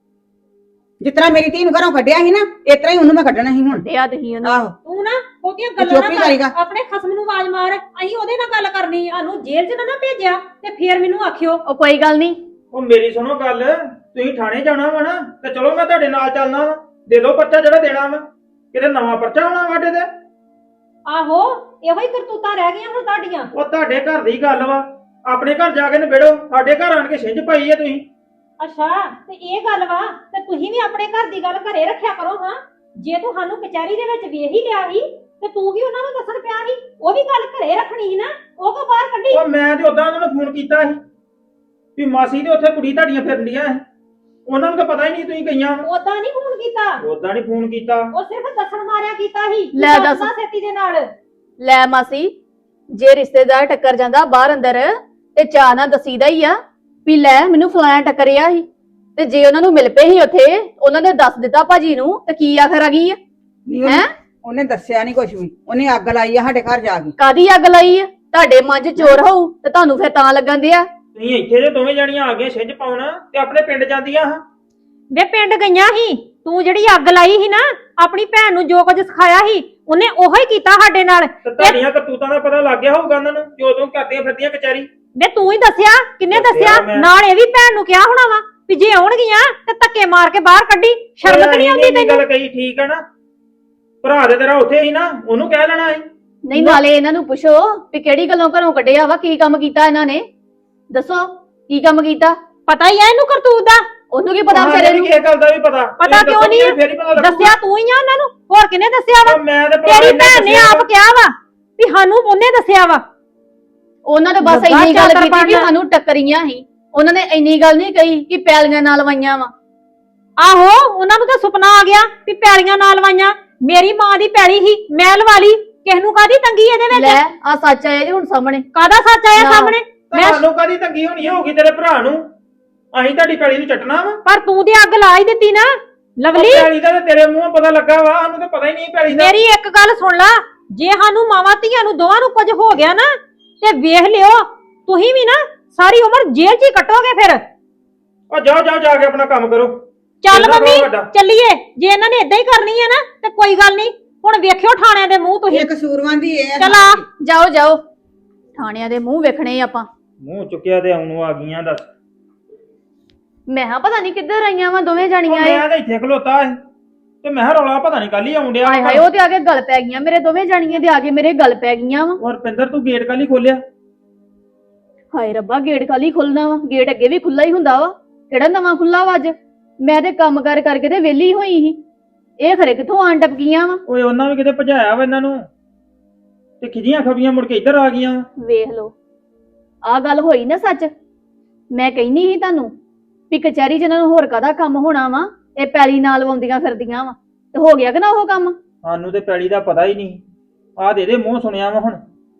[SPEAKER 2] ਜਿਸ ਤਰ੍ਹਾਂ ਮੇਰੀ ਧੀ ਨੂੰ ਘਰੋਂ ਕੱਢਿਆ ਸੀ ਨਾ, ਇਸ ਤਰ੍ਹਾਂ ਹੀ ਉਹਨੂੰ ਮੈਂ ਕੱਢਣਾ ਸੀ ਹੁਣ।
[SPEAKER 5] ਦਿਆ ਤੁਸੀਂ ਉਹਨੂੰ।
[SPEAKER 2] ਆਹੋ
[SPEAKER 1] ਤੂੰ ਨਾ ਉਹਦੀਆਂ ਗੱਲਾਂ
[SPEAKER 2] ਚੁੱਪ ਹੀ
[SPEAKER 1] ਨਾ
[SPEAKER 2] ਕਰੇਗਾ।
[SPEAKER 1] ਕਰ, ਆਪਣੇ ਖਸਮ ਨੂੰ ਆਵਾਜ਼ ਮਾਰ। ਅਸੀਂ ਉਹਦੇ ਨਾਲ ਗੱਲ ਕਰਨੀ, ਸਾਨੂੰ ਜੇਲ੍ਹ 'ਚ ਨਾ ਨਾ ਭੇਜਿਆ ਤੇ ਫੇਰ ਮੈਨੂੰ ਆਖਿਓ।
[SPEAKER 5] ਉਹ ਕੋਈ ਗੱਲ ਨਹੀਂ।
[SPEAKER 6] ਉਹ ਮੇਰੀ ਸੁਣੋ ਗੱਲ, ਤੁਸੀਂ ਥਾਣੇ ਜਾਣਾ ਵਾ ਨਾ ਤੇ ਚਲੋ ਮੈਂ ਤੁਹਾਡੇ ਨਾਲ ਚੱਲਣਾ ਵਾ। ਦੇ ਦਿਓ ਪਰਚਾ ਜਿਹੜਾ ਦੇਣਾ ਵਾ, ਕਿਤੇ ਨਵਾਂ ਪਰਚਾ ਆਉਣਾ ਸਾਡੇ ਤੇ।
[SPEAKER 1] ਆਹੋ, ਇਹੋ ਹੀ ਕਰਤੂਤਾਂ ਰਹਿ ਗਈਆਂ ਹੁਣ ਤੁਹਾਡੀਆਂ।
[SPEAKER 6] ਉਹ ਤੁਹਾਡੇ ਘਰ ਦੀ ਗੱਲ ਵਾ, ਆਪਣੇ ਘਰ ਜਾ ਕੇ ਨਿਬੇੜੋ। ਸਾਡੇ ਘਰ ਆਣ ਕੇ ਛਿੰਝ ਪਾਈ ਆ ਤੁਸੀਂ।
[SPEAKER 1] ਅੱਛਾ, ਤੇ ਇਹ ਗੱਲ ਵਾ ਤੇ ਤੁਸੀਂ ਵੀ ਆਪਣੇ ਘਰ ਦੀ ਗੱਲ ਘਰੇ ਰੱਖਿਆ ਕਰੋ। ਹਾਂ, ਜੇ ਤੂੰ ਸਾਨੂੰ ਕਚਹਿਰੀ ਦੇ ਵਿੱਚ ਵੇਖ ਹੀ ਲਿਆ ਸੀ ਤੇ ਤੂੰ ਵੀ ਉਹਨਾਂ ਨੂੰ ਦੱਸਣ ਪਿਆ ਸੀ, ਉਹ ਵੀ ਗੱਲ ਘਰੇ ਰੱਖਣੀ ਸੀ ਨਾ, ਉਹ ਕੋ ਬਾਹਰ ਕੱਢੀ।
[SPEAKER 6] ਉਹ ਮੈਂ ਤੇ ਉਦਾਂ ਉਹਨਾਂ ਨੂੰ ਫੋਨ ਕੀਤਾ ਸੀ ਵੀ ਮਾਸੀ ਦੇ ਉੱਥੇ ਕੁੜੀ ਤੁਹਾਡੀਆਂ ਫਿਰਨ ਡੀਆਂ ਸੀ। ਉਹਨਾਂ ਨੂੰ ਤਾਂ ਪਤਾ ਹੀ ਨਹੀਂ ਤੁਸੀਂ ਗਈਆਂ
[SPEAKER 1] ਉਦਾਂ ਨਹੀਂ ਫੋਨ ਕੀਤਾ,
[SPEAKER 6] ਉਦਾਂ ਨਹੀਂ ਫੋਨ ਕੀਤਾ।
[SPEAKER 1] ਉਹ ਸਿਰਫ ਦੱਸਣ ਮਾਰਿਆ ਕੀਤਾ ਸੀ ਕਿ
[SPEAKER 5] ਲੈ ਦੱਸ।
[SPEAKER 1] ਦੱਸਣਾ ਛੇਤੀ ਦੇ ਨਾਲ।
[SPEAKER 5] ਲੈ ਮਾਸੀ, ਜੇ ਰਿਸ਼ਤੇਦਾਰ ਟੱਕਰ ਜਾਂਦਾ ਬਾਹਰ ਅੰਦਰ ਤੇ ਚਾਹ ਨਾ ਦਸੀਦਾ ਹੀ ਆ ਵੀ ਲੈ ਮੈਨੂੰ ਫਲਾਣਾ ਟੱਕਰਿਆ ਸੀ, ਤੇ ਜੇ ਉਹਨਾਂ ਨੂੰ ਮਿਲ ਪਏ ਸੀ ਉੱਥੇ ਉਹਨਾਂ ਨੇ ਦੱਸ ਦਿੱਤਾ ਭਾਜੀ ਨੂੰ ਤੇ ਕੀ ਆਖਰ ਆ ਗਈ ਆ?
[SPEAKER 2] ਨਹੀਂ ਉਹਨੇ-
[SPEAKER 5] ਹੈਂ?
[SPEAKER 2] ਉਹਨੇ ਦੱਸਿਆ ਨਹੀਂ ਕੁਝ ਵੀ, ਉਹਨੇ ਅੱਗ ਲਾਈ ਆ ਸਾਡੇ ਘਰ ਜਾ ਕੇ।
[SPEAKER 5] ਕਾਦੀ ਅੱਗ ਲਾਈ ਆ? ਤੁਹਾਡੇ ਮਨ 'ਚ ਚੋਰ ਹੋਊ ਤੇ ਤੁਹਾਨੂੰ ਫਿਰ ਤਾਂ ਲੱਗਣ ਦਿਆ।
[SPEAKER 6] ਤੁਸੀਂ ਇੱਥੇ ਜੇ ਦੋਵੇਂ ਜਣੀਆਂ ਆ ਗਈਆਂ ਛਿੰਝ ਪਾਉਣ ਤੇ ਆਪਣੇ ਪਿੰਡ ਜਾਂਦੀਆਂ ਹਾਂ।
[SPEAKER 1] ਵੇ ਪਿੰਡ ਗਈਆਂ ਸੀ, ਤੂੰ ਜਿਹੜੀ ਅੱਗ ਲਾਈ ਸੀ ਨਾ ਆਪਣੀ ਭੈਣ ਨੂੰ ਜੋ ਕੁਝ ਸਿਖਾਇਆ ਸੀ ਉਹਨੇ ਉਹੋ ਹੀ ਕੀਤਾ ਸਾਡੇ ਨਾਲ।
[SPEAKER 6] ਤੇ ਤੁਹਾਡੀਆਂ ਕਰਤੂਤਾਂ ਦਾ ਪਤਾ ਲੱਗ ਗਿਆ ਹੋਊਗਾ ਉਹਨਾਂ ਨੂੰ ਜੋ ਤੂੰ ਕਰਦੀਆਂ ਫਿਰਦੀਆਂ ਕਚਹਿਰੀ।
[SPEAKER 1] ਵੇ ਤੂੰ ਹੀ ਦੱਸਿਆ, ਕਿੰਨੇ
[SPEAKER 6] ਦੱਸਿਆ
[SPEAKER 1] ਦੱਸਿਆ?
[SPEAKER 6] ਮੈਂ।
[SPEAKER 1] ਨਾਲ ਇਹ ਵੀ ਭੈਣ ਨੂੰ ਕਿਹਾ ਹੋਣਾ ਵਾ ਵੀ ਜੇ ਆਉਣਗੀਆਂ ਤੇ ਧੱਕੇ ਮਾਰ ਕੇ ਬਾਹਰ ਕੱਢੀ। ਸ਼ਰਮ ਤਾਂ ਨਹੀਂ ਆਉਂਦੀ
[SPEAKER 6] ਇੰਨੀ
[SPEAKER 1] ਤੈਨੂੰ?
[SPEAKER 6] ਗੱਲ ਕਹੀ ਠੀਕ ਆ ਨਾ, ਭਰਾ ਦੇ ਤੇਰਾ ਉੱਥੇ ਹੀ ਨਾ, ਉਹਨੂੰ ਕਹਿ ਲੈਣਾ ਸੀ।
[SPEAKER 5] ਨਹੀਂ ਨਾਲੇ ਇਹਨਾਂ ਨੂੰ ਪੁੱਛੋ ਵੀ ਕਿਹੜੀ ਗੱਲੋਂ ਘਰੋਂ ਕੱਢਿਆ ਵਾ, ਕੀ ਕੰਮ ਕੀਤਾ ਇਹਨਾਂ ਨੇ, ਦੱਸੋ ਕੀ ਕੰਮ ਕੀਤਾ?
[SPEAKER 1] ਪਤਾ ਹੀ ਆ ਇਹਨੂੰ ਕਰਤੂਤ ਦਾ।
[SPEAKER 5] ਉਹਨੂੰ ਕੀ ਪਤਾ
[SPEAKER 6] ਉਹਨਾਂ
[SPEAKER 5] ਵਿਚਾਰੇ
[SPEAKER 6] ਨੂੰ
[SPEAKER 5] ਨੂੰ?
[SPEAKER 6] ਕਿਸੇ ਗੱਲ ਦਾ ਵੀ ਪਤਾ
[SPEAKER 1] ਪਤਾ
[SPEAKER 6] ਤੁਸੀਂ
[SPEAKER 1] ਕਿਉਂ ਨਹੀਂ
[SPEAKER 6] ਦੱਸੋਗੇ ਫੇਰ ਹੀ ਪਤਾ ਲੱਗੂਗਾ।
[SPEAKER 1] ਦੱਸਿਆ ਤੂੰ ਹੀ ਆ ਉਹਨਾਂ ਨੂੰ, ਹੋਰ ਕਿਹਨੇ ਦੱਸਿਆ ਵਾ?
[SPEAKER 6] ਉਹ ਮੈਂ ਤੇ ਭਰਾ
[SPEAKER 1] ਤੇਰੀ
[SPEAKER 6] ਨੇ
[SPEAKER 1] ਭੈਣ ਨੇ
[SPEAKER 6] ਦੱਸਿਆ
[SPEAKER 1] ਆਪ ਕਿਹਾ ਵਾ ਵੀ ਸਾਨੂੰ ਉਹਨੇ ਦੱਸਿਆ ਵਾ।
[SPEAKER 5] ਉਹਨਾਂ ਨੇ ਬਸ
[SPEAKER 1] ਲੱਗਾ
[SPEAKER 5] ਇੰਨੀ ਗੱਲ
[SPEAKER 1] ਚਾਦਰ
[SPEAKER 5] ਕੀਤੀ ਵੀ
[SPEAKER 1] ਪਾਉਣ।
[SPEAKER 5] ਸਾਨੂੰ ਟੱਕਰੀਆਂ ਸੀ, ਉਹਨਾਂ ਨੇ ਇੰਨੀ ਗੱਲ ਨਹੀਂ ਕਹੀ ਕਿ ਪੈਲੀਆਂ ਨਾਲ ਵਾਈਆਂ ਵਾ।
[SPEAKER 1] ਆਹੋ ਉਹਨਾਂ ਨੂੰ ਤਾਂ ਸੁਪਨਾ ਆ ਗਿਆ ਵੀ ਪੈਲੀਆਂ ਨਾਲ ਲਵਾਈਆਂ। ਮੇਰੀ ਮਾਂ ਦੀ ਪੈਲੀ ਸੀ, ਮੈਂ ਲਵਾ ਲਈ। ਕਿਸ ਨੂੰ ਕਾਦੀ ਤੰਗੀ ਇਹਦੇ ਵਿੱਚ?
[SPEAKER 5] ਲੈ ਆ ਸੱਚ ਆਇਆ ਜੀ ਹੁਣ ਸਾਹਮਣੇ।
[SPEAKER 1] ਕਾਦਾ ਸੱਚ ਆਇਆ
[SPEAKER 5] ਨਾ।
[SPEAKER 1] ਸਾਹਮਣੇ? ਮੈਂ
[SPEAKER 6] ਤੁਹਾਨੂੰ ਕਾਦੀ ਤੰਗੀ ਹੋਣੀ ਹੋਊਗੀ ਤੇਰੇ ਭਰਾ ਨੂੰ? ਅਸੀਂ ਤੁਹਾਡੀ ਪੈਲੀ ਨੂੰ ਚੱਟਣਾ ਵਾ।
[SPEAKER 1] ਪਰ ਤੂੰ ਤੇ ਅੱਗ ਲਾ ਹੀ ਦਿੱਤੀ ਨਾ ਲਵਲੀ।
[SPEAKER 6] ਉਹ ਪੈਲੀ ਦਾ ਤੇ ਤੇਰੇ ਮੂੰਹੋਂ ਪਤਾ ਲੱਗਾ ਵਾ, ਸਾਨੂੰ ਤਾਂ ਪਤਾ ਹੀ ਨਹੀਂ ਪੈਲੀ ਦਾ।
[SPEAKER 1] ਮੇਰੀ ਇੱਕ ਗੱਲ ਸੁਣ ਲਾ, ਜੇ ਸਾਨੂੰ ਮਾਵਾਂ ਧੀਆਂ ਨੂੰ ਦੋਵਾਂ ਨੂੰ ਕੁਝ ਹੋ ਗਿਆ ਨਾ ਤੇ ਵੇਖ ਲਿਓ ਤੁਸੀਂ ਵੀ ਨਾ ਸਾਰੀ ਉਮਰ ਜੇਲ੍ਹ 'ਚ ਹੀ ਕੱਟੋਗੇ ਫਿਰ।
[SPEAKER 6] ਉਹ ਜਾਓ ਜਾਓ ਜਾ ਕੇ ਆਪਣਾ ਕੰਮ ਕਰੋ।
[SPEAKER 1] ਚੱਲ
[SPEAKER 6] ਇਹਦਾ
[SPEAKER 1] ਮੰਮੀ
[SPEAKER 6] ਬਹੁਤ ਵੱਡਾ।
[SPEAKER 1] ਚੱਲੀਏ। ਜੇ ਇਹਨਾਂ ਨੇ ਇਦਾਂ ਹੀ ਕਰਨੀ ਹੈ ਨਾ ਤੇ ਕੋਈ ਗੱਲ ਨਹੀਂ, ਹੁਣ ਵੇਖਿਓ ਥਾਣਿਆਂ ਦੇ ਮੂੰਹ ਤੁਸੀਂ।
[SPEAKER 2] ਇਹ ਕਸੂਰਵਾਨ ਦੀ ਇਹ ਆ।
[SPEAKER 1] ਚੱਲ ਆ।
[SPEAKER 5] ਜਾਓ ਜਾਓ, ਥਾਣਿਆਂ ਦੇ ਮੂੰਹ ਵੇਖਣੇ ਆਪਾਂ।
[SPEAKER 6] ਮੂੰਹ ਚੁੱਕਿਆ ਤੇ ਆਉਣ ਨੂੰ ਆ ਗਈਆਂ ਦੱਸ।
[SPEAKER 5] ਮੈਂ ਹਾਂ ਪਤਾ ਨਹੀਂ ਕਿੱਧਰ ਆਈਆਂ ਵਾ ਦੋਵੇਂ
[SPEAKER 6] ਉਹ
[SPEAKER 5] ਜਾਣੀਆਂ ਇਹ।
[SPEAKER 6] ਮੈਂ ਤਾਂ ਇੱਥੇ ਖਲੋਤਾ ਸੀ ਤੇ ਮੈਂ ਕਿਹਾ ਰੌਲਾ ਪਤਾ ਨਹੀਂ ਕੱਲ ਹੀ ਆਉਣ ਡਿਆ।
[SPEAKER 5] ਹਾਏ ਹਾਏ, ਉਹ ਤੇ ਆ ਕੇ ਗੱਲ ਪੈ ਗਈਆਂ ਮੇਰੇ ਦੋਵੇਂ ਜਾਣੀਆਂ ਦੇ ਆ ਕੇ ਮੇਰੇ ਗੱਲ ਪੈ ਗਈਆਂ ਵਾ।
[SPEAKER 6] ਔਰ ਰੁਪਿੰਦਰ ਤੂੰ ਗੇਟ ਕੱਲ ਹੀ ਖੋਲਿਆ?
[SPEAKER 5] ਹਾਏ ਰੱਬਾ, ਗੇਟ ਖਾਲੀ ਖੁੱਲਣਾ ਵਾ? ਗੇਟ ਅੱਗੇ ਵੀ ਖੁੱਲਾ ਹੀ ਹੁੰਦਾ ਵਾ, ਕਿਹੜਾ ਨਵਾਂ ਖੁੱਲਾ ਵਾ ਅੱਜ? ਮੈਂ ਤੇ ਕੰਮ ਕਰ ਕਰਕੇ ਤੇ ਵਿਹਲੀ ਹੋਈ ਸੀ, ਇਹ ਖਰੇ ਕਿੱਥੋਂ ਆਣ ਟਪਕੀਆਂ ਵਾ।
[SPEAKER 6] ਓਏ ਉਹਨਾਂ ਵੀ ਕਿਤੇ ਭਜਾਇਆ ਵਾ ਇਹਨਾਂ ਨੂੰ ਤੇ ਖਿਜੀਆਂ ਖਬੀਆਂ ਮੁੜ ਕੇ ਇੱਧਰ ਆ ਗਈਆਂ।
[SPEAKER 5] ਵੇਖ ਲਓ, ਆਹ ਗੱਲ ਹੋਈ ਨਾ ਸੱਚ। ਮੈਂ ਕਹਿੰਦੀ ਸੀ ਤੁਹਾਨੂੰ ਵੀ ਕਚਹਿਰੀ 'ਚ ਇਹਨਾਂ ਨੂੰ ਹੋਰ ਕਾਹਦਾ ਕੰਮ ਹੋਣਾ ਵਾ, ਇਹ ਪੈਲੀ ਨਾਲ ਲਵਾਉਂਦੀਆਂ ਫਿਰਦੀਆਂ ਵਾ, ਤੇ ਹੋ ਗਿਆ ਕਿ ਨਾ ਉਹ ਕੰਮ?
[SPEAKER 6] ਸਾਨੂੰ ਤੇ ਪੈਲੀ ਦਾ ਪਤਾ ਹੀ ਨਹੀਂ, ਆਹ ਦੇ ਦੇ ਮੂੰਹ ਸੁਣਿਆ ਵਾ। ਹੁਣ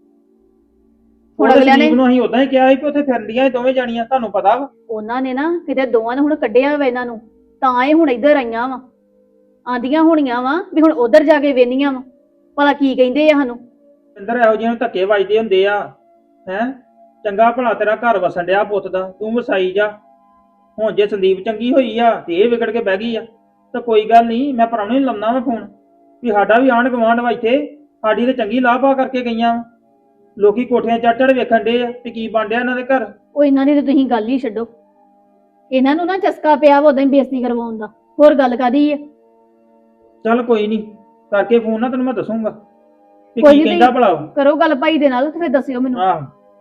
[SPEAKER 5] ਹੁਣ
[SPEAKER 6] ਹੁਣ
[SPEAKER 5] ਅਗਲਿਆਂ ਨੇ
[SPEAKER 6] ਨੂੰ ਅਸੀਂ ਉਦਾਂ ਹੀ ਕਿਹਾ ਸੀ ਕਿ ਉੱਥੇ ਫਿਰਦੀਆਂ ਸੀ ਦੋਵੇਂ ਜਾਣੀਆਂ, ਤੁਹਾਨੂੰ ਪਤਾ ਵਾ।
[SPEAKER 5] ਉਹਨਾਂ ਨੇ ਨਾ ਕਿਤੇ ਦੋਵਾਂ ਨੇ ਹੁਣ ਕੱਢਿਆ ਵਾ ਇਹਨਾਂ ਨੂੰ, ਤਾਂ ਇਹ ਹੁਣ ਇੱਧਰ ਆਈਆਂ ਵਾ, ਆਂਦੀਆਂ ਹੋਣੀਆਂ ਵਾ ਵੀ ਹੁਣ ਉਧਰ ਜਾ ਕੇ ਵੇਨੀਆਂ ਵਾ ਭਲਾ ਕੀ ਕਹਿੰਦੇ ਆ ਸਾਨੂੰ।
[SPEAKER 6] ਰੁਪਿੰਦਰ ਇਹੋ ਜਿਹੀਆਂ ਨੂੰ ਧੱਕੇ ਵੱਜਦੇ ਹੁੰਦੇ ਆ ਹੈ। ਚੰਗਾ ਭਲਾ ਤੇਰਾ ਘਰ ਵਸਣ ਡਿਆ ਪੁੱਤ ਦਾ, ਤੂੰ ਵਸਾਈ ਜਾ। ਹੁਣ ਜੇ ਸੰਦੀਪ ਚੰਗੀ ਹੋਈ ਆ ਤੇ ਇਹ ਵਿਗੜ ਕੇ ਬਹਿ ਗਈ ਆ ਤਾਂ ਕੋਈ ਗੱਲ ਨਹੀਂ, ਮੈਂ ਪ੍ਰਾਹੁਣੇ ਨੂੰ ਲਾਉਣਾ ਵਾ ਫੋਨ ਵੀ ਸਾਡਾ ਵੀ ਆਂਢ ਗੁਆਂਢ ਵਾ ਇੱਥੇ, ਸਾਡੀ ਤੇ ਚੰਗੀ ਲਾਹ ਪਾ ਕਰਕੇ ਗਈਆਂ ਵਾ। ਲੋਕੀ ਕੋਠੀਆਂ ਚੜ ਚੜ ਵੇਖਣ ਡੇ ਆ ਵੀ ਕੀ ਬਣ ਡਿਆ ਇਹਨਾਂ ਦੇ ਘਰ।
[SPEAKER 5] ਉਹ ਇਹਨਾਂ ਦੀ ਤੇ ਤੁਸੀਂ ਗੱਲ ਹੀ ਛੱਡੋ, ਇਹਨਾਂ ਨੂੰ ਨਾ ਚਸਕਾ ਪਿਆ ਵਾ ਉਦਾਂ ਹੀ ਬੇਇੱਜ਼ਤੀ ਕਰਵਾਉਣ ਦਾ, ਹੋਰ ਗੱਲ ਕਾਦੀ ਹੈ?
[SPEAKER 6] ਚੱਲ ਕੋਈ ਨਹੀਂ, ਕਰਕੇ ਫੋਨ ਨਾ ਤੈਨੂੰ ਮੈਂ ਦੱਸੂਗਾ ਵੀ
[SPEAKER 5] ਕੋਈ
[SPEAKER 6] ਕੀ
[SPEAKER 5] ਨੀ
[SPEAKER 6] ਕਹਿੰਦਾ ਭਲਾ ਉਹ।
[SPEAKER 5] ਕਰੋ ਗੱਲ ਭਾਈ ਦੇ ਨਾਲ ਤੇ ਫਿਰ ਦੱਸਿਓ ਮੈਨੂੰ।
[SPEAKER 6] ਆਹ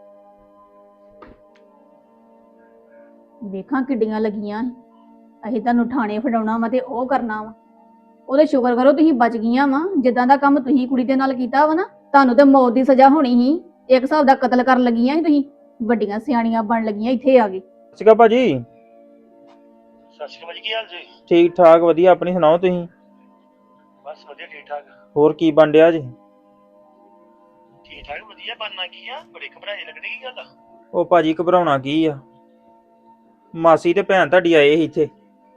[SPEAKER 5] ਵੇਖਾਂ ਕਿੱਡੀਆਂ ਲੱਗੀਆਂ ਸੀ, ਅਸੀਂ ਤੁਹਾਨੂੰ ਥਾਣੇ ਫੜਾਉਣਾ ਵਾ ਤੇ ਉਹ ਕਰਨਾ ਵਾ। ਉਹਦੇ ਸ਼ੁਕਰ ਕਰੋ ਤੁਸੀਂ ਬਚ ਗਈਆਂ ਵਾ, ਜਿੱਦਾਂ ਦਾ ਕੰਮ ਤੁਸੀਂ ਕੁੜੀ ਦੇ ਨਾਲ ਕੀਤਾ ਵਾ ਨਾ, ਤੁਹਾਨੂੰ ਤੇ ਮੌਤ ਦੀ ਸਜ਼ਾ ਹੋਣੀ ਸੀ। ਇੱਕ ਹਿਸਾਬ ਦਾ ਕਤਲ ਕਰਨ ਲੱਗੀਆਂ ਸੀ ਤੁਸੀਂ, ਵੱਡੀਆਂ ਸਿਆਣੀਆਂ ਬਣ ਲੱਗੀਆਂ ਇੱਥੇ ਆ ਗਏ।
[SPEAKER 6] ਸਤਿ ਸ਼੍ਰੀ ਅਕਾਲ ਭਾਜੀ।
[SPEAKER 4] ਸਤਿ ਸ਼੍ਰੀ ਅਕਾਲ ਜੀ, ਕੀ ਹਾਲ ਜੀ?
[SPEAKER 6] ਠੀਕ ਠਾਕ ਵਧੀਆ, ਆਪਣੀ ਸੁਣਾਓ ਤੁਸੀਂ?
[SPEAKER 4] ਬਸ ਵਧੀਆ, ਠੀਕ ਠਾਕ।
[SPEAKER 6] ਹੋਰ ਕੀ ਬਣ ਡਿਆ ਜੀ?
[SPEAKER 4] ਠੀਕ ਠਾਕ ਵਧੀਆ, ਬਣਨਾ ਕੀ ਆ? ਬੜੇ ਘਬਰਾਏ ਲੱਗਦੇ, ਕੀ ਗੱਲ ਆ?
[SPEAKER 6] ਉਹ ਭਾਜੀ ਘਬਰਾਉਣਾ ਕੀ ਆ, ਮਾਸੀ ਤੇ ਭੈਣ ਤੁਹਾਡੀ ਆਏ ਸੀ ਇੱਥੇ।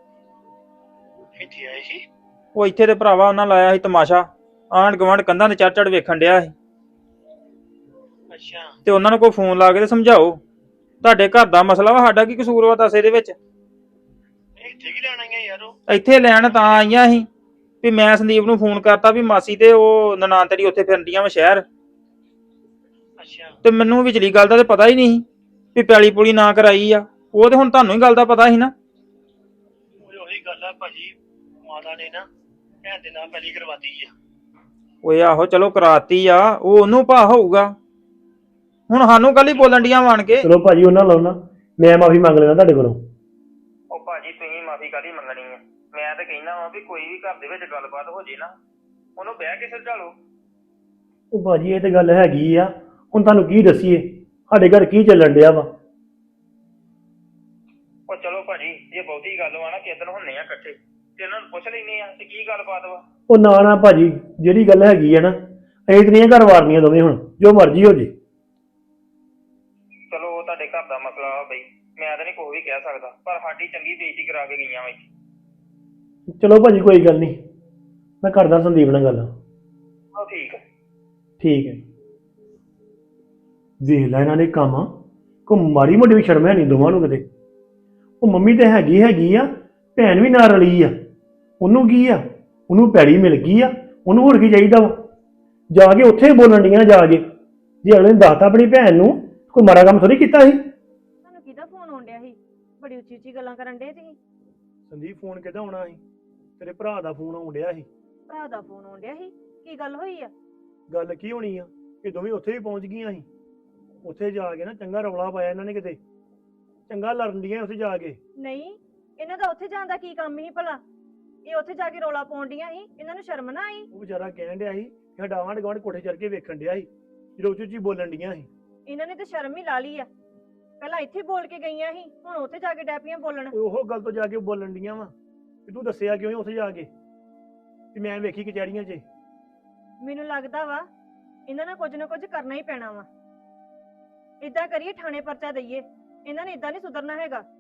[SPEAKER 4] ਇੱਥੇ ਆਏ ਸੀ?
[SPEAKER 6] ਉਹ ਇੱਥੇ ਤੇ ਭਰਾਵਾ ਉਹਨਾਂ ਲਾਇਆ ਸੀ ਤਮਾਸ਼ਾ, ਆਂਢ ਗੁਆਂਢ ਕੰਧਾਂ ਤੇ ਚੜ ਚੜ ਵੇਖਣ ਡਿਆ ਸੀ।
[SPEAKER 4] ਅੱਛਾ।
[SPEAKER 6] ਤੇ ਉਹਨਾਂ ਨੂੰ ਕੋਈ ਫੋਨ ਲਾ ਕੇ ਤੇ ਸਮਝਾਓ, ਤੁਹਾਡੇ ਘਰ ਦਾ ਮਸਲਾ ਵਾ, ਸਾਡਾ ਕੀ ਕਸੂਰ ਵਾ ਦੱਸ ਇਹਦੇ ਵਿੱਚ?
[SPEAKER 4] ਇੱਥੇ ਕੀ ਲੈਣ ਆਈਆਂ ਯਾਰ? ਉਹ
[SPEAKER 6] ਇੱਥੇ ਲੈਣ ਤਾਂ ਆਈਆਂ ਸੀ ਵੀ ਮੈਂ ਸੰਦੀਪ ਨੂੰ ਫੋਨ ਕਰਤਾ ਵੀ ਮਾਸੀ ਤੇ ਉਹ ਨਨਾਣ ਤੇਰੀ ਉੱਥੇ ਫਿਰਦੀਆਂ ਵਾ ਸ਼ਹਿਰ,
[SPEAKER 4] ਅੱਛਾ।
[SPEAKER 6] ਤੇ ਮੈਨੂੰ ਵਿਚਲੀ ਗੱਲ ਦਾ ਤੇ ਪਤਾ ਹੀ ਨਹੀਂ ਸੀ ਵੀ ਪੈਲੀ ਪੂਲੀ ਨਾ ਕਰਾਈ ਆ। ਉਹ ਤੇ ਹੁਣ ਤੁਹਾਨੂੰ ਹੀ ਗੱਲ ਦਾ ਪਤਾ ਸੀ ਨਾ।
[SPEAKER 4] ਉਹ ਉਹੀ ਗੱਲ ਆ ਭਾਜੀ, ਮਾਤਾ ਨੇ ਨਾ ਭੈਣ ਦੇ ਨਾਲ ਪਹਿਲੀ ਕਰਵਾਤੀ ਆ।
[SPEAKER 6] ਓਏ ਆਹੋ ਚਲੋ ਕਰਾਤੀ ਆ, ਉਹ ਉਹਨੂੰ ਭਾ ਹੋਊਗਾ, ਹੁਣ ਸਾਨੂੰ ਕੱਲ ਹੀ ਬੋਲਣ ਡੀਆਂ ਆਣ ਕੇ।
[SPEAKER 4] ਚਲੋ ਭਾਜੀ ਉਹਨਾਂ ਲਾਉਣਾ, ਮੈਂ ਮਾਫੀ ਮੰਗ ਲੈਣਾ ਤੁਹਾਡੇ ਕੋਲੋਂ।
[SPEAKER 6] ਉਹ ਭਾਜੀ ਤੁਸੀਂ ਮਾਫੀ ਕਾਹਦੀ ਮੰਗਣੀ ਆ? ਮੈਂ ਤਾਂ ਕਹਿੰਦਾ ਵਾਂ ਵੀ ਕੋਈ ਵੀ ਘਰ ਦੇ ਵਿੱਚ ਗੱਲਬਾਤ ਹੋ ਜੇ ਨਾ, ਉਹਨੂੰ ਬਹਿ ਕੇ ਸਮਝਾ ਲਓ।
[SPEAKER 4] ਉਹ ਭਾਜੀ ਇਹ ਤੇ ਗੱਲ ਹੈਗੀ ਆ, ਹੁਣ ਤੁਹਾਨੂੰ ਕੀ ਦੱਸੀਏ ਸਾਡੇ ਘਰ ਕੀ ਚੱਲਣ ਡਿਆ ਵਾ।
[SPEAKER 6] ਉਹ ਚਲੋ ਭਾਜੀ, ਜੇ ਬਹੁਤੀ ਗੱਲ ਵਾ ਨਾ ਕਿਦਨ ਹੁੰਨੇ ਆ ਇਕੱਠੇ ਤੇ ਇਹਨਾਂ ਨੂੰ ਪੁੱਛ ਲੈਨੇ ਆ ਤੇ ਕੀ ਗੱਲਬਾਤ ਵਾ।
[SPEAKER 4] ਉਹ ਨਾ ਨਾ ਭਾਜੀ, ਜਿਹੜੀ ਗੱਲ ਹੈਗੀ ਆ ਨਾ ਅਸੀਂ ਤੇ ਨਹੀਂ ਘਰ ਵਾਰਨੀਆਂ ਦੋਵੇਂ, ਹੁਣ ਜੋ ਮਰਜ਼ੀ ਹੋ ਜੇ।
[SPEAKER 6] ਚਲੋ ਉਹ ਤੁਹਾਡੇ ਘਰ ਦਾ ਮਸਲਾ ਵਾ ਬਈ, ਮੈਂ ਤਾਂ ਨਹੀਂ ਕੋਈ ਵੀ ਕਹਿ ਸਕਦਾ, ਪਰ ਸਾਡੀ ਚੰਗੀ ਬੇਇੱਜ਼ਤੀ ਕਰਾ ਕੇ ਗਈਆਂ ਵਾ ਇੱਥੇ।
[SPEAKER 4] ਚਲੋ ਭਾਜੀ ਕੋਈ ਗੱਲ ਨਹੀਂ, ਮੈਂ ਕਰਦਾ ਸੰਦੀਪ ਨਾਲ ਗੱਲ।
[SPEAKER 6] ਉਹ ਠੀਕ ਆ।
[SPEAKER 4] ਠੀਕ ਹੈ। ਵੇਖ ਲੈ ਇਹਨਾਂ ਨੇ ਕੰਮ, ਕੋ ਮਾੜੀ ਮੋਟੀ ਵੀ ਸ਼ਰਮ ਹੈ ਨਹੀਂ ਦੋਵਾਂ ਨੂੰ ਕਿਤੇ। ਉਹ ਮੰਮੀ ਤੇ ਹੈਗੀ ਹੈਗੀ ਆ, ਭੈਣ ਵੀ ਨਾਲ ਰਲੀ ਆ, ਉਹਨੂੰ ਕੀ ਆ, ਉਹਨੂੰ ਪੈੜੀ ਮਿਲ ਗਈ ਆ, ਉਹਨੂੰ ਹੋਰ ਕੀ ਚਾਹੀਦਾ ਵਾ। ਜਾ ਕੇ ਉੱਥੇ ਬੋਲਣ ਡੀਆਂ ਜਾ ਕੇ, ਜੇ ਅਗਲੇ ਨੇ ਦੱਸਤਾ ਆਪਣੀ ਭੈਣ ਨੂੰ, ਕੋਈ ਮਾੜਾ ਕੰਮ ਥੋੜੀ ਕੀਤਾ ਸੀ।
[SPEAKER 3] ਤੁਹਾਨੂੰ ਕਿਹਦਾ ਫੋਨ ਆਉਣ ਡਿਆ ਸੀ? ਬੜੀ ਉੱਚੀ ਉੱਚੀ ਗੱਲਾਂ ਕਰਨ ਡੇ ਤੁਸੀਂ।
[SPEAKER 4] ਸੰਦੀਪ ਫੋਨ ਕਿਹਦਾ ਆਉਣਾ ਸੀ? ਤੇਰੇ ਭਰਾ ਦਾ ਫੋਨ ਆਉਣ ਡਿਆ ਸੀ।
[SPEAKER 3] ਭਰਾ ਦਾ ਫੋਨ ਆਉਣ ਡਿਆ ਸੀ? ਕੀ ਗੱਲ ਹੋਈ ਆ?
[SPEAKER 4] ਗੱਲ ਕੀ ਹੋਣੀ ਆ, ਇਹ ਦੋਵੇਂ ਉੱਥੇ ਵੀ ਪਹੁੰਚ ਗਈਆਂ ਸੀ। ਉੱਥੇ ਜਾ ਕੇ ਨਾ ਚੰਗਾ ਰੌਲਾ ਪਾਇਆ ਇਹਨਾਂ ਨੇ, ਕਿਤੇ ਚੰਗਾ ਲੜਨ ਡੀਆਂ ਉੱਥੇ ਜਾ ਕੇ।
[SPEAKER 3] ਨਹੀਂ, ਇਹਨਾਂ ਦਾ ਉੱਥੇ ਜਾਣ ਦਾ ਕੀ ਕੰਮ ਸੀ ਭਲਾ? ਇਹ ਉੱਥੇ ਜਾ ਕੇ ਰੌਲਾ ਪਾਉਣ ਡੀਆਂ ਸੀ, ਇਹਨਾਂ ਨੂੰ ਸ਼ਰਮ ਨਾ ਆਈ?
[SPEAKER 4] ਉਹ ਵਿਚਾਰਾ ਕਹਿਣ ਡਿਆ ਸੀ ਕਿ ਸਾਡਾ ਆਂਢ ਗੁਆਂਢ ਕੋਠੇ ਚੜ ਕੇ ਵੇਖਣ ਡਿਆ ਸੀ, ਜਦੋਂ ਉੱਚੀ ਉੱਚੀ ਬੋਲਣ ਡੀਆਂ ਸੀ।
[SPEAKER 3] ਇਹਨਾਂ ਨੇ ਤਾਂ ਸ਼ਰਮ ਹੀ ਲਾ ਲਈ ਆ। ਪਹਿਲਾਂ ਇੱਥੇ ਬੋਲ ਕੇ ਗਈਆਂ ਸੀ, ਹੁਣ ਉੱਥੇ ਜਾ ਕੇ ਡੈਪੀਆਂ ਬੋਲਣ।
[SPEAKER 4] ਉਹ ਗੱਲ ਤੋਂ ਜਾ ਕੇ ਬੋਲਣ ਡੀਆਂ ਵਾ ਕਿ ਤੂੰ ਦੱਸਿਆ ਕਿਉਂ ਉੱਥੇ ਜਾ ਕੇ ਕਿ ਮੈਂ ਵੇਖੀ ਕਚਹਿਰੀਆਂ 'ਚ।
[SPEAKER 3] ਮੈਨੂੰ ਲੱਗਦਾ ਵਾ ਇਹਨਾਂ ਨਾਲ ਕੁਝ ਨਾ ਕੁਝ ਕਰਨਾ ਹੀ ਪੈਣਾ ਵਾ। ਇਦਾਂ ਕਰੀਏ, ਥਾਣੇ ਪਰਚਾ ਦਈਏ, ਇਹਨਾਂ ਨੇ ਇਦਾਂ ਨਹੀਂ ਸੁਧਰਨਾ ਹੈਗਾ।